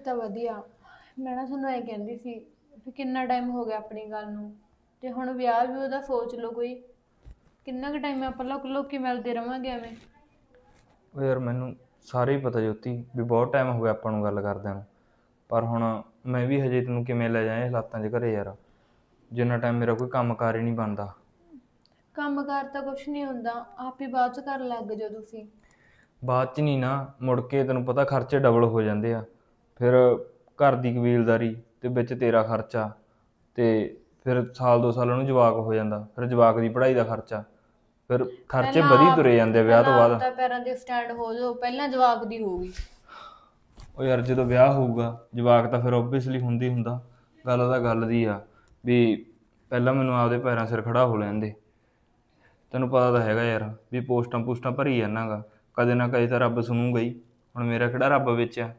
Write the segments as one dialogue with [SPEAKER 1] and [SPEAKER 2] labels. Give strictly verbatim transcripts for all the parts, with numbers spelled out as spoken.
[SPEAKER 1] ਤਾਂ ਵਧੀਆ। ਮੈਂ ਨਾ ਤੁਹਾਨੂੰ ਇਹ ਕਹਿੰਦੀ ਸੀ ਵੀ ਕਿੰਨਾ ਟਾਈਮ ਹੋ ਗਿਆ ਆਪਣੀ ਗੱਲ ਨੂੰ, ਤੇ ਹੁਣ ਵਿਆਹ ਵੀ ਉਹਦਾ ਸੋਚ ਲਓ ਕੋਈ। ਕਿੰਨਾ ਕੁ ਟਾਈਮ ਆਪਾਂ ਲੋਕ ਲੋਕੀ ਮਿਲਦੇ ਰਵਾਂਗੇ ਐਵੇਂ।
[SPEAKER 2] ਉਹ ਯਾਰ ਮੈਨੂੰ ਸਾਰੇ ਹੀ ਪਤਾ ਜੋਤੀ ਵੀ ਬਹੁਤ ਟਾਈਮ ਹੋ ਗਿਆ ਆਪਾਂ ਨੂੰ ਗੱਲ ਕਰਦਿਆਂ ਨੂੰ, ਪਰ ਹੁਣ ਮੈਂ ਵੀ ਹਜੇ ਤੈਨੂੰ ਕਿਵੇਂ ਲੈ ਜਾਵਾਂ ਇਹ ਹਾਲਾਤਾਂ 'ਚ ਘਰੇ ਯਾਰ, ਜਿੰਨਾ ਟਾਈਮ ਮੇਰਾ ਕੋਈ ਕੰਮ ਕਾਰ ਹੀ ਨਹੀਂ ਬਣਦਾ।
[SPEAKER 1] ਕੰਮ ਕਾਰ ਤਾਂ ਕੁਛ ਨਹੀਂ ਹੁੰਦਾ, ਆਪ ਹੀ ਬਾਅਦ ਚ ਕਰਨ ਲੱਗ ਜਾਓ ਤੁਸੀਂ।
[SPEAKER 2] ਬਾਅਦ 'ਚ ਨਹੀਂ ਨਾ, ਮੁੜ ਕੇ ਤੈਨੂੰ ਪਤਾ ਖਰਚੇ ਡਬਲ ਹੋ ਜਾਂਦੇ ਆ। ਫਿਰ ਘਰ ਦੀ ਕਬੀਲਦਾਰੀ ਤੇ ਵਿੱਚ ਤੇਰਾ ਖਰਚਾ, ਤੇ ਫਿਰ ਸਾਲ ਦੋ ਸਾਲ ਉਹਨੂੰ ਜਵਾਕ ਹੋ ਜਾਂਦਾ, ਫਿਰ ਜਵਾਕ ਦੀ ਪੜ੍ਹਾਈ ਦਾ ਖਰਚਾ, ਫਿਰ ਖਰਚੇ
[SPEAKER 1] ਪਹਿਲਾਂ
[SPEAKER 2] ਵਧੀ
[SPEAKER 1] ਆਪ
[SPEAKER 2] ਤੁਰੇ ਜਾਂਦੇ ਆ ਵਿਆਹ ਤੋਂ
[SPEAKER 1] ਪਹਿਲਾਂ ਆਪ
[SPEAKER 2] ਬਾਅਦ।
[SPEAKER 1] ਤਾਂ ਪੈਰਾਂ ਤੇ ਸਟੈਂਡ ਹੋ ਜਾਓ, ਪਹਿਲਾਂ ਜਵਾਕ ਦੀ ਹੋਊਗੀ।
[SPEAKER 2] ਉਹ ਯਾਰ ਜਦੋਂ ਵਿਆਹ ਹੋਊਗਾ ਜਵਾਕ ਤਾਂ ਫਿਰ ਓਬਵੀਅਸਲੀ ਹੁੰਦੀ ਹੁੰਦਾ। ਗੱਲ ਤਾਂ ਗੱਲ ਦੀ ਆ ਵੀ ਪਹਿਲਾਂ ਮੈਨੂੰ ਆਪਦੇ ਪੈਰਾਂ ਸਿਰ ਖੜਾ ਹੋ ਲੈਣ ਦੇ। ਤੈਨੂੰ ਪਤਾ ਤਾਂ ਹੈਗਾ ਯਾਰ ਵੀ ਪੋਸਟਾਂ ਪੋਸਟਾਂ ਭਰੀ ਜਾਂਦਾ ਗਾ, ਕਦੇ ਨਾ ਕਦੇ ਤਾਂ ਰੱਬ ਸੁਣੂਗਾ ਹੀ। ਹੁਣ ਮੇਰਾ ਕਿਹੜਾ ਰੱਬ ਵਿੱਚ ਆ।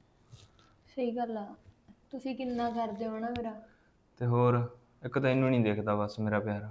[SPEAKER 1] ਸਹੀ ਗੱਲ ਆ, ਤੁਸੀਂ ਕਿੰਨਾ ਕਰਦੇ ਹੋ ਨਾ ਮੇਰਾ।
[SPEAKER 2] ਤੇ ਹੋਰ ਇੱਕ ਤੈਨੂੰ ਨਹੀਂ ਦੇਖਦਾ ਬਸ ਮੇਰਾ ਪਿਆਰ।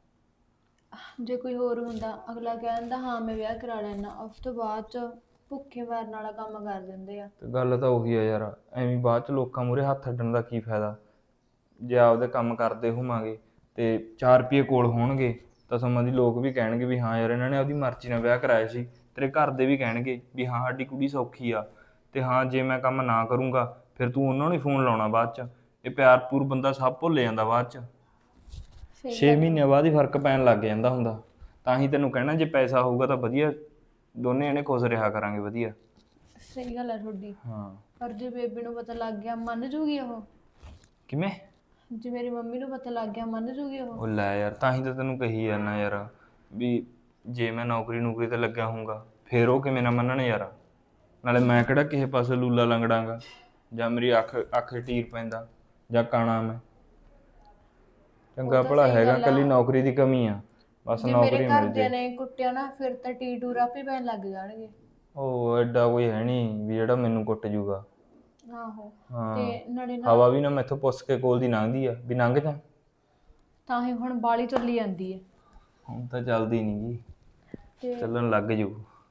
[SPEAKER 1] ਜੇ ਕੋਈ ਹੋਰ ਹੁੰਦਾ ਅਗਲਾ ਕਹਿ ਦਿੰਦਾ ਹਾਂ ਮੈਂ ਵਿਆਹ ਕਰਾ ਲੈਣਾ, ਉਸ ਤੋਂ ਬਾਅਦ ਚ ਭੁੱਖੇ ਮਾਰਨ ਵਾਲਾ ਕੰਮ ਕਰ ਦਿੰਦੇ ਆ।
[SPEAKER 2] ਤੇ ਗੱਲ ਤਾਂ ਉਹੀ ਆ ਯਾਰ, ਐਵੇਂ ਬਾਅਦ ਚ ਲੋਕਾਂ ਮੂਹਰੇ ਹੱਥ ਅੱਡਣ ਦਾ ਕੀ ਫਾਇਦਾ। ਜੇ ਆਪਦੇ ਕੰਮ ਕਰਦੇ ਹੋਵਾਂਗੇ ਤੇ ਚਾਰ ਰੁਪਈਏ ਕੋਲ ਹੋਣਗੇ ਤਾਂ ਸਮਾਂ ਦੀ ਲੋਕ ਵੀ ਕਹਿਣਗੇ ਵੀ ਹਾਂ ਯਾਰ ਇਹਨਾਂ ਨੇ ਆਪਦੀ ਮਰਜ਼ੀ ਨਾਲ ਵਿਆਹ ਕਰਾਇਆ ਸੀ। ਤੇਰੇ ਘਰ ਦੇ ਵੀ ਕਹਿਣਗੇ ਵੀ ਹਾਂ ਸਾਡੀ ਕੁੜੀ ਸੌਖੀ ਆ। ਤੇ ਹਾਂ ਜੇ ਮੈਂ ਕੰਮ ਨਾ ਕਰੂੰਗਾ ਫਿਰ ਤੂੰ ਉਹਨਾਂ ਨੂੰ ਹੀ ਫੋਨ ਲਾਉਣਾ ਬਾਅਦ ਚ। ਇਹ ਪਿਆਰ ਪੂਰ ਬੰਦਾ ਸਭ ਭੁੱਲ ਜਾਂਦਾ ਬਾਅਦ ਚ।
[SPEAKER 1] ਸਹੀ
[SPEAKER 2] ਛੇ
[SPEAKER 1] ਗੱਲ ਆ।
[SPEAKER 2] ਮਹੀਨਿਆਂ ਬਾਅਦ ਹੀ ਫਰਕ ਪੈਣ ਲੱਗ ਜਾਂਦਾ ਹੁੰਦਾ। ਤਾਂ ਹੀ ਤੈਨੂੰ ਕਹਿਣਾ ਜੇ ਪੈਸਾ ਹੋਊਗਾ ਤਾਂ ਵਧੀਆ, ਦੋਨੇ ਜਣੇ ਖੁਸ਼ ਰਿਹਾ ਕਰਾਂਗੇ ਵਧੀਆ।
[SPEAKER 1] ਸਹੀ ਗੱਲ ਆ ਤੁਹਾਡੀ।
[SPEAKER 2] ਹਾਂ
[SPEAKER 1] ਪਰ ਜੇ ਬੇਬੇ ਨੂੰ ਪਤਾ ਲੱਗ ਗਿਆ ਮੰਨ ਜੂਗੀ ਉਹ?
[SPEAKER 2] ਕਿਵੇਂ?
[SPEAKER 1] ਜੇ ਮੇਰੀ ਮੰਮੀ ਨੂੰ ਪਤਾ ਲੱਗ ਗਿਆ ਮੰਨ ਜੂਗੀ ਉਹ?
[SPEAKER 2] ਉਹ ਲੈ ਯਾਰ ਤਾਂ ਹੀ ਤਾਂ ਤੈਨੂੰ ਕਹੀ ਜਾਂਦਾ ਯਾਰ ਵੀ ਜੇ ਮੈਂ ਨੌਕਰੀ ਨੌਕਰੀ ਤੇ ਲੱਗਿਆ ਹੋਊਗਾ ਫਿਰ ਉਹ ਕਿਵੇਂ ਨਾ ਮੰਨਣ ਯਾਰ। ਨਾਲੇ ਮੈਂ ਕਿਹੜਾ ਕਿਸੇ ਪਾਸੇ ਲੂਲਾ ਲੰਗੜਾਂਗਾ, ਜਾਂ ਮੇਰੀ ਅੱਖ ਅੱਖ ਟੀਰ ਪੈਂਦਾ, ਜਾਂ ਕਾਣਾ ਮੈਂ।
[SPEAKER 1] ਉਹ
[SPEAKER 2] ਚੰਗਾ
[SPEAKER 1] ਤਾਂ
[SPEAKER 2] ਭਲਾ
[SPEAKER 1] ਸਹੀ
[SPEAKER 2] ਹੈਗਾ,
[SPEAKER 1] ਗੱਲ ਆ।
[SPEAKER 2] ਇਕੱਲੀ ਨੌਕਰੀ ਦੀ ਕਮੀ ਆ, ਬਸ
[SPEAKER 1] ਜੇ ਮੇਰੇ
[SPEAKER 2] ਨੌਕਰੀ ਮਿਲ
[SPEAKER 1] ਘਰਦਿਆਂ
[SPEAKER 2] ਜੇ।
[SPEAKER 1] ਨੇ ਕੁੱਟਿਆ ਨਾ ਫਿਰ ਤਾਂ ਟੀਟੂ ਆਪੇ ਪੈਣ ਲੱਗ ਜਾਣਗੇ।
[SPEAKER 2] ਉਹ ਐਡਾ ਕੋਈ ਹੈ ਨਹੀਂ ਵੀ ਜਿਹੜਾ ਮੈਨੂੰ ਕੁੱਟ ਜੂਗਾ।
[SPEAKER 1] ਆਹੋ। ਤੇ
[SPEAKER 2] ਹਾਂ
[SPEAKER 1] ਨਾਲੇ ਨਾ
[SPEAKER 2] ਹਵਾ ਵੀ ਨਾ ਮੈਥੋਂ ਪੁੱਛ ਕੇ ਕੋਲ ਦੀ ਲੰਘਦੀ ਆ ਵੀ ਲੰਘ ਜਾ।
[SPEAKER 1] ਤਾਂ ਹੀ ਹੁਣ ਬਾਲੀ ਚੱਲੀ ਜਾਂਦੀ ਹੈ।
[SPEAKER 2] ਹੁਣ ਤਾਂ ਚੱਲਦੀ ਨੀ ਗੀ,
[SPEAKER 1] ਤੇ
[SPEAKER 2] ਚੱਲਣ ਲੱਗ ਜੂ।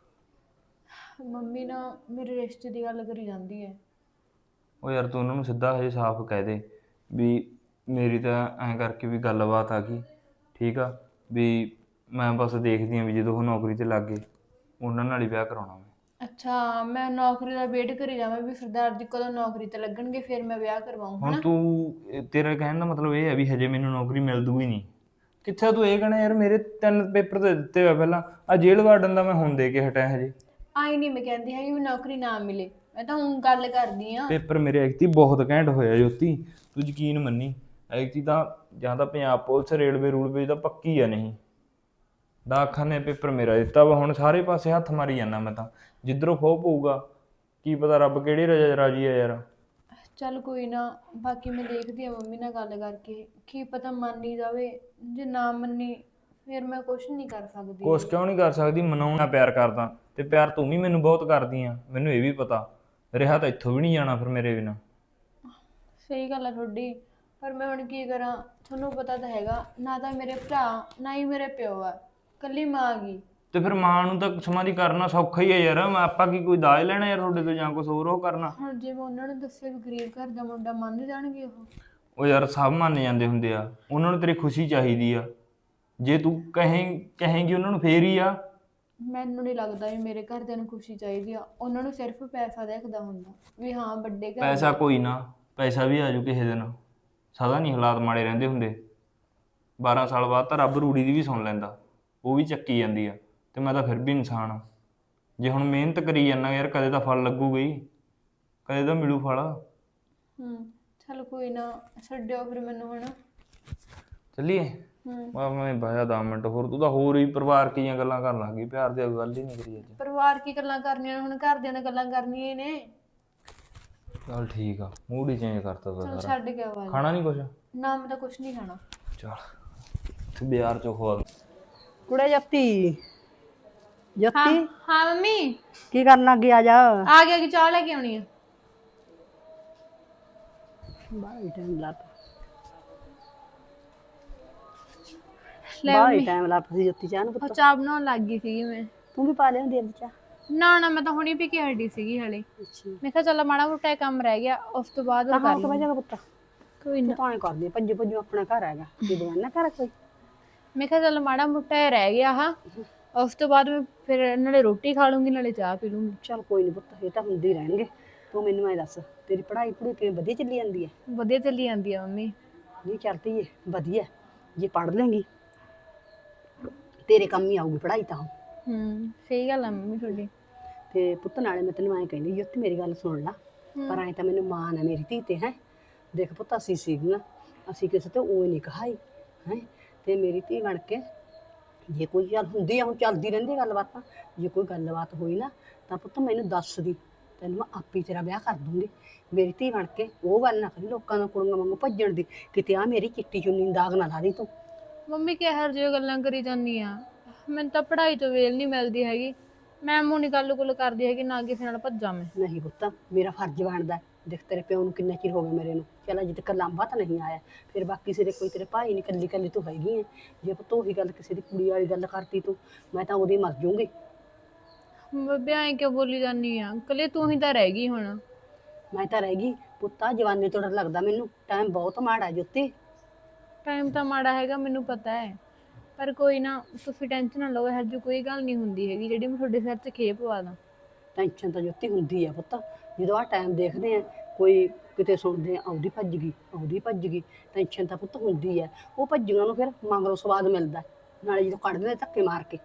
[SPEAKER 1] ਮੰਮੀ ਨਾ ਮੇਰੇ ਰਿਸ਼ਤੇ ਦੀ ਗੱਲ ਕਰੀ ਜਾਂਦੀ ਹੈ।
[SPEAKER 2] ਉਹ ਯਾਰ ਤੂੰ ਉਹਨਾਂ ਨੂੰ ਸਿੱਧਾ ਹਜੇ ਸਾਫ਼ ਕਹਿ ਦੇ ਵੀ ਮੇਰੀ ਤਾਂ ਐਂ ਕਰਕੇ ਵੀ ਗੱਲਬਾਤ ਆ ਗਈ, ਠੀਕ ਆ ਵੀ ਮੈਂ ਬਸ ਦੇਖਦੀ ਹਾਂ ਵੀ ਜਦੋਂ ਉਹ ਨੌਕਰੀ 'ਤੇ ਲੱਗ ਗਏ ਉਹਨਾਂ ਨਾਲ ਹੀ ਵਿਆਹ ਕਰਾਉਣਾ ਮੈਂ।
[SPEAKER 1] ਅੱਛਾ ਮੈਂ ਨੌਕਰੀ ਦਾ ਵੇਟ ਕਰੀ ਜਾਵਾਂ ਵੀ ਸਰਦਾਰ ਜੀ ਕਦੋਂ ਨੌਕਰੀ ਤੇ ਲੱਗਣਗੇ ਫਿਰ ਮੈਂ ਵਿਆਹ ਕਰਵਾਊਂ
[SPEAKER 2] ਹੁਣ
[SPEAKER 1] ਹਨਾ।
[SPEAKER 2] ਤੂੰ ਤੇਰਾ ਕਹਿਣ ਦਾ ਮਤਲਬ ਇਹ ਹੈ ਵੀ ਹਜੇ ਮੈਨੂੰ ਨੌਕਰੀ ਮਿਲ ਦੂਗੀ ਨਹੀਂ? ਕਿੱਥੇ ਤੂੰ ਇਹ ਕਹਿਣਾ ਯਾਰ ਮੇਰੇ ਤਿੰਨ ਪੇਪਰ ਤੇ ਦਿੱਤੇ ਹੋਏ ਪਹਿਲਾਂ, ਆ ਜੇਲ੍ਹ ਵਾਰਡਨ ਦਾ ਮੈਂ ਹੁਣ ਦੇ ਕੇ ਹਟਿਆ ਹਜੇ।
[SPEAKER 1] ਆਈ ਨਹੀਂ ਮੈਂ ਕਹਿੰਦੀ ਹੈਗੀ ਵੀ ਨੌਕਰੀ ਨਾ ਮਿਲੇ, ਮੈਂ ਤਾਂ ਹੁਣ ਗੱਲ ਕਰਦੀ ਆ।
[SPEAKER 2] ਪੇਪਰ ਮੇਰੇ ਐਕਤੀ ਬਹੁਤ ਘੈਂਟ ਹੋਇਆ ਜੋਤੀ, ਤੂੰ ਯਕੀਨ ਮੰਨੀ। ਐਕਤੀ ਤਾਂ ਜਾਂ ਤਾਂ ਪੰਜਾਬ ਪੁਲਿਸ ਰੇਲਵੇ ਰੂਲਵੇ ਤਾਂ ਪੱਕੀ ਆ, ਨਹੀਂ ਡਾਕਖਾਨੇ ਪੇਪਰ ਮੇਰਾ ਦਿੱਤਾ ਵਾ। ਹੁਣ ਸਾਰੇ ਪਾਸੇ ਹੱਥ ਮਾਰੀ ਜਾਂਦਾ ਮੈਂ ਤਾਂ, ਜਿੱਧਰੋਂ ਖੋਹ ਪਊਗਾ ਕੀ ਪਤਾ ਰੱਬ ਕਿਹੜੀ ਰਜਾ ਰਾਜੀ ਆ ਯਾਰ।
[SPEAKER 1] ਚੱਲ ਕੋਈ ਨਾ, ਬਾਕੀ ਮੈਂ ਦੇਖਦੀ ਆ ਮੰਮੀ ਨਾਲ ਗੱਲ ਕਰਕੇ, ਕੀ ਪਤਾ ਮੰਨ ਹੀ ਜਾਵੇ। ਜੇ ਨਾ ਮੰਨੀ ਫਿਰ ਮੈਂ ਕੁਛ ਨਹੀਂ ਕਰ ਸਕਦੀ।
[SPEAKER 2] ਕੁਛ ਕਿਉਂ ਨਹੀਂ ਕਰ ਸਕਦੀ, ਮਨਾਉਣਾ ਪਿਆਰ ਕਰਦਾ ਤੇ ਪਿਆਰ ਤੂੰ ਵੀ ਮੈਨੂੰ ਬਹੁਤ ਕਰਦੀ ਆ, ਮੈਨੂੰ ਇਹ ਵੀ ਪਤਾ। ਰਿਹਾ ਤਾਂ ਇੱਥੋਂ ਵੀ ਨਹੀਂ ਜਾਣਾ ਫਿਰ ਮੇਰੇ ਬਿਨਾਂ।
[SPEAKER 1] ਸਹੀ ਗੱਲ ਆ ਤੁਹਾਡੀ, ਪਰ ਮੈਂ ਹੁਣ ਕੀ ਕਰਾਂ। ਤੁਹਾਨੂੰ ਪਤਾ ਤਾਂ ਹੈਗਾ ਨਾ ਤਾਂ ਮੇਰੇ ਭਰਾ ਨਾ ਹੀ ਮੇਰੇ ਪਿਓ ਆ, ਇਕੱਲੀ ਮਾਂ ਗਈ।
[SPEAKER 2] ਤੇ ਫਿਰ ਮਾਂ ਨੂੰ ਤਾਂ ਸਮਾਧੀ ਕਰਨਾ ਸੌਖਾ ਹੀ ਹੈ ਯਾਰ। ਆਪਾਂ ਕੀ ਕੋਈ ਦਾਜ ਲੈਣਾ ਯਾਰ ਤੁਹਾਡੇ ਤੋਂ ਜਾਂ ਕੁਛ ਹੋਰ ਉਹ ਕਰਨਾ?
[SPEAKER 1] ਹੁਣ ਜੇ ਮੈਂ ਉਹਨਾਂ ਨੂੰ ਦੱਸਿਆ ਵੀ ਗਰੀਬ ਘਰ ਦਾ ਮੁੰਡਾ ਮੰਨ ਜਾਣਗੇ ਉਹ?
[SPEAKER 2] ਉਹ ਯਾਰ ਸਭ ਮੰਨ ਜਾਂਦੇ ਹੁੰਦੇ ਆ, ਉਹਨਾਂ ਨੂੰ ਤੇਰੀ ਖੁਸ਼ੀ ਚਾਹੀਦੀ ਆ। ਜੇ ਤੂੰ ਕਹੇਂ ਕਹੇਂਗੀ ਉਹਨਾਂ ਨੂੰ ਫੇਰ ਹੀ ਆ।
[SPEAKER 1] ਮੈਨੂੰ ਨਹੀਂ ਲੱਗਦਾ ਵੀ ਮੇਰੇ ਘਰਦਿਆਂ ਨੂੰ ਖੁਸ਼ੀ ਚਾਹੀਦੀ ਆ, ਉਹਨਾਂ ਨੂੰ ਸਿਰਫ ਪੈਸਾ ਦੇਖਦਾ ਹੁੰਦਾ ਵੀ ਹਾਂ ਵੱਡੇ ਘਰ
[SPEAKER 2] ਪੈਸਾ
[SPEAKER 1] ਦੇ।
[SPEAKER 2] ਕੋਈ ਨਾ, ਪੈਸਾ ਵੀ ਆਜੂ ਕਿਸੇ ਦਿਨ, ਸਦਾ ਨਹੀਂ ਹਾਲਾਤ ਮਾੜੇ ਰਹਿੰਦੇ ਹੁੰਦੇ। ਬਾਰਾਂ ਸਾਲ ਬਾਅਦ ਤਾਂ ਰੱਬ ਰੂੜੀ ਦੀ ਵੀ ਸੁਣ ਲੈਂਦਾ, ਉਹ ਵੀ ਚੱਕੀ ਜਾਂਦੀ ਆ। ਤੇ ਮੈਂ ਤਾਂ ਫਿਰ ਵੀ ਇਨਸਾਨ ਆ। ਜੇ ਹੁਣ ਮਿਹਨਤ ਕਰੀ ਜਾਂਦਾ ਯਾਰ ਕਦੇ ਤਾਂ ਫਲ ਲੱਗੂਗਾ ਹੀ, ਕਦੇ ਤਾਂ ਮਿਲੂ ਫਲ।
[SPEAKER 1] ਹੂੰ ਚੱਲ ਕੋਈ ਨਾ, ਛੱਡਿਓ ਫਿਰ ਮੈਨੂੰ ਹੁਣ।
[SPEAKER 2] ਚੱਲੀਏ?
[SPEAKER 1] ਹੂੰ
[SPEAKER 2] ਮੈਂ ਮੈਂ ਬਾਇਆ ਦਸ ਮਿੰਟ ਹੋਰ, ਤੂੰ ਤਾਂ ਹੋਰ ਹੀ ਪਰਿਵਾਰ ਕੀਆਂ ਗੱਲਾਂ ਕਰਨ ਲੱਗ ਗਈ, ਪਿਆਰ ਦੀ ਗੱਲ ਹੀ ਨਹੀਂ ਕਰੀ ਅੱਜ।
[SPEAKER 1] ਪਰਿਵਾਰ ਕੀ ਗੱਲਾਂ ਕਰਨੀਆਂ ਨੇ, ਹੁਣ ਘਰਦਿਆਂ ਨਾਲ ਗੱਲਾਂ ਕਰਨੀਆਂ ਹੀ ਨੇ।
[SPEAKER 2] ਚੱਲ ਠੀਕ ਆ, ਮੂਡ ਹੀ ਚੇਂਜ ਕਰਤਾ ਤਾ
[SPEAKER 1] ਚੱਲ
[SPEAKER 2] ਸਾਰਾ।
[SPEAKER 1] ਛੱਡ ਕੇ ਆਵਾਜ਼।
[SPEAKER 2] ਖਾਣਾ ਨਹੀਂ ਕੁਛ?
[SPEAKER 1] ਨਾ ਮੈਂ ਤਾਂ ਕੁਛ ਨਹੀਂ ਖਾਣਾ।
[SPEAKER 2] ਚੱਲ ਇੱਥੇ ਬਾਜ਼ਾਰ ਚੋਂ ਖਵਾ ਦੂੰ।
[SPEAKER 3] ਕੁੜੇ ਜੱਤੀ
[SPEAKER 1] ਹਾਂ
[SPEAKER 3] ਜੱਤੀ
[SPEAKER 1] ਹਾਂ ਮੰਮੀ
[SPEAKER 3] ਕੀ ਕਰਨ ਲੱਗੀ? ਆ ਜਾ।
[SPEAKER 1] ਆ ਗਿਆ ਕਿ ਚਾਹ ਲੈ ਕੇ ਆਉਣੀ ਆ।
[SPEAKER 3] ਬਾਈ ਟਾਈਮ ਲੱਪ
[SPEAKER 1] ਲੈ
[SPEAKER 3] ਬਾਈ
[SPEAKER 1] ਮੰਮੀ,
[SPEAKER 3] ਟਾਈਮ ਲੱਪ ਸੀ ਜੱਤੀ ਚਾਹ ਨੂੰ
[SPEAKER 1] ਉਹ
[SPEAKER 3] ਪੁੱਤ।
[SPEAKER 1] ਚਾਹ ਬਣਾਉਣ ਲੱਗ ਗਈ ਸੀਗੀ ਮੈਂ।
[SPEAKER 3] ਤੂੰ ਵੀ ਪਾ ਲਿਆਉਂਦੀ ਅੱਜ ਚਾਹ?
[SPEAKER 1] ਨਾ ਨਾ ਮੈਂ ਤਾਂ ਹੁਣੀ ਵੀ ਕਿ ਹਟੀ ਸੀਗੀ ਹਲੇ।
[SPEAKER 3] ਅੱਛਾ
[SPEAKER 1] ਮੈਂ ਕਿਹਾ ਚੱਲ ਮਾੜਾ ਮੋਟਾ ਇਹ ਕੰਮ ਰਹਿ ਗਿਆ ਉਸ ਤੋਂ ਬਾਅਦ ਉਹ
[SPEAKER 3] ਤਾਂ
[SPEAKER 1] ਕਰ
[SPEAKER 3] ਹਾਂ
[SPEAKER 1] ਲੂੰਗੀ।
[SPEAKER 3] ਵਜਾ ਪੁੱਤ
[SPEAKER 1] ਕੋਈ
[SPEAKER 3] ਤੂੰ
[SPEAKER 1] ਨਾ।
[SPEAKER 3] ਤਾਂ ਐ ਕਰਦੀ ਭੱਜ ਭੱਜੂ ਆਪਣਾ ਘਰ ਹੈਗਾ ਕੀ ਬਗਾਨਾ ਘਰ ਕੋਈ।
[SPEAKER 1] ਮੈਂ ਕਿਹਾ ਚੱਲ ਮਾੜਾ ਮੋਟਾ ਇਹ ਰਹਿ ਗਿਆ ਹਾਂ ਉਸ ਤੋਂ ਬਾਅਦ ਮੈਂ ਫਿਰ ਨਾਲੇ ਰੋਟੀ ਖਾ ਲੂੰਗੀ ਨਾਲੇ ਚਾਹ ਪੀ ਲੂੰਗੀ।
[SPEAKER 3] ਚੱਲ ਕੋਈ ਨਹੀਂ ਪੁੱਤ ਇਹ ਤਾਂ ਹੁੰਦੇ ਹੀ ਰਹਿਣਗੇ। ਤੂੰ ਮੈਨੂੰ ਐ ਦੱਸ ਤੇਰੀ ਪੜ੍ਹਾਈ ਪੜ੍ਹੂਈ ਕਿਵੇਂ ਵਧੀਆ ਚੱਲੀ ਜਾਂਦੀ ਹੈ।
[SPEAKER 1] ਵਧੀਆ ਚੱਲੀ ਜਾਂਦੀ ਆ ਮੰਮੀ।
[SPEAKER 3] ਨਹੀਂ ਚੱਲਦੀ ਏ ਵਧੀਆ ਜੇ ਪੜ੍ਹ ਲੇਂਗੀ ਤੇਰੇ ਕੰਮ ਹੀ ਆਊਗੀ ਪੜ੍ਹਾਈ ਤਾਂ।
[SPEAKER 1] ਹੂੰ ਸਹੀ ਗੱਲ ਆ ਮੰਮੀ ਤੁਹਾਡੀ।
[SPEAKER 3] ਤੇ ਪੁੱਤ ਨਾਲੇ ਮੈਂ ਤੈਨੂੰ ਐਂ ਕਹਿੰਦੀ ਜੋਤੀ ਮੇਰੀ ਗੱਲ ਸੁਣ ਲਾ ਪਰ ਐਂ ਤਾਂ ਮੈਨੂੰ ਮਾਣ ਹੈ ਮੇਰੀ ਧੀ ਤੇ ਹੈ। ਦੇਖ ਪੁੱਤ ਅਸੀਂ ਸੀਗੀਆਂ ਅਸੀਂ ਕਿਸੇ ਤੇ ਉਹ ਨਹੀਂ ਕਹਾਈ ਹੈ ਤੇ ਮੇਰੀ ਧੀ ਬਣ ਕੇ ਜੇ ਕੋਈ ਗੱਲ ਹੁੰਦੀ ਆ ਹੁਣ ਚੱਲਦੀ ਰਹਿੰਦੀ ਗੱਲਬਾਤਾਂ ਜੇ ਕੋਈ ਗੱਲਬਾਤ ਹੋਈ ਨਾ ਤਾਂ ਪੁੱਤ ਮੈਨੂੰ ਦੱਸ ਦੀ ਤੈਨੂੰ ਮੈਂ ਆਪੇ ਤੇਰਾ ਵਿਆਹ ਕਰ ਦੂੰਗੀ। ਮੇਰੀ ਧੀ ਬਣ ਕੇ ਉਹ ਗੱਲ ਨਾ ਕਰੀ ਲੋਕਾਂ ਨੂੰ ਕੁੜੀਆਂ ਵਾਂਗੂ ਭੱਜਣ ਦੀ ਕਿਤੇ ਆ ਮੇਰੀ ਚਿੱਟੀ ਚੁੰਨੀ ਨੂੰ ਦਾਗ ਨਾ ਲਾ ਦੀ ਤੂੰ।
[SPEAKER 1] ਮੰਮੀ ਕਿਹੋ ਜਿਹੀਆਂ ਗੱਲਾਂ ਕਰੀ ਜਾਂਦੀ ਆ ਮੈਨੂੰ ਤਾਂ ਪੜ੍ਹਾਈ ਤੋਂ ਵੇਲ ਨਹੀਂ ਮਿਲਦੀ ਹੈਗੀ। ਮੈਂ ਮੂੰਹ ਨੀ ਗੱਲ ਗੁੱਲ ਕਰਦੀ ਹੈਗੀ ਨਾ ਕਿਸੇ ਨਾਲ ਭੱਜਾਂ ਮੈਂ।
[SPEAKER 3] ਨਹੀਂ ਪੁੱਤ ਮੇਰਾ ਫਰਜ਼ ਬਣਦਾ ਦੇਖ ਤੇਰੇ ਪਿਓ ਨੂੰ ਕਿੰਨਾ ਚਿਰ ਹੋ ਗਿਆ ਮੇਰੇ ਨੂੰ ਚੱਲ ਅਜੇ ਤੱਕ ਲਾਂਭਾ ਤਾਂ ਨਹੀਂ ਆਇਆ ਫਿਰ ਬਾਕੀ ਸਿਰੇ ਕੋਈ ਤੇਰੇ ਭਾਈ ਨਹੀਂ ਕੱਲੀ ਕੱਲੀ ਤੂੰ ਹੈਗੀ ਹੈ। ਜੇ ਪੁੱਤ ਉਹੀ ਗੱਲ ਕਿਸੇ ਦੀ ਕੁੜੀ ਵਾਲੀ ਗੱਲ ਕਰਤੀ ਤੂੰ ਮੈਂ ਤਾਂ ਉਹਦੀ ਮਰ ਜਾਊਂਗੀ।
[SPEAKER 1] ਬੱਬੇ ਐਂ ਕਿਉਂ ਬੋਲੀ ਜਾਂਦੀ ਆ ਕੱਲੇ ਤੂੰ ਹੀ ਤਾਂ ਰਹਿ ਗਈ ਹੁਣ।
[SPEAKER 3] ਮੈਂ ਤਾਂ ਰਹਿ ਗਈ ਪੁੱਤਾ ਜਵਾਨੀ ਤੋਂ ਡਰ ਲੱਗਦਾ ਮੈਨੂੰ ਟਾਈਮ ਬਹੁਤ ਮਾੜਾ ਜੁੱਤੀ।
[SPEAKER 1] ਟਾਈਮ ਤਾਂ ਮਾੜਾ ਹੈਗਾ ਮੈਨੂੰ ਪਤਾ ਹੈ ਪਰ ਕੋਈ ਨਾ ਤੁਸੀਂ ਟੈਨਸ਼ਨ ਨਾ ਲਓ ਇਹੋ ਜਿਹੀ ਕੋਈ ਗੱਲ ਨਹੀਂ ਹੁੰਦੀ ਹੈਗੀ ਜਿਹੜੀ ਮੈਂ ਤੁਹਾਡੇ ਸਿਰ 'ਚ ਖੇਪ ਪਵਾ ਦਾਂ।
[SPEAKER 3] ਟੈਨਸ਼ਨ ਤਾਂ ਜੁੱਤੀ ਹੁੰਦੀ ਆ ਪੁੱਤ ਜਦੋਂ ਆਹ ਟਾਈਮ ਦੇਖਦੇ ਆ ਕੋਈ ਕਿਤੇ ਸੁਣਦੇ ਆ ਆਉਦੀ ਭੱਜ ਗਈ ਆਉਦੀ ਭੱਜ ਗਈ ਟੈਨਸ਼ਨ ਤਾਂ ਪੁੱਤ ਹੁੰਦੀ ਆ। ਉਹ ਭੱਜੀਆਂ ਨੂੰ ਫਿਰ ਮਗਰੋਂ ਸਵਾਦ ਮਿਲਦਾ ਨਾਲੇ ਜਦੋਂ ਕੱਢਦੇ ਨੇ ਧੱਕੇ ਮਾਰ ਕੇ।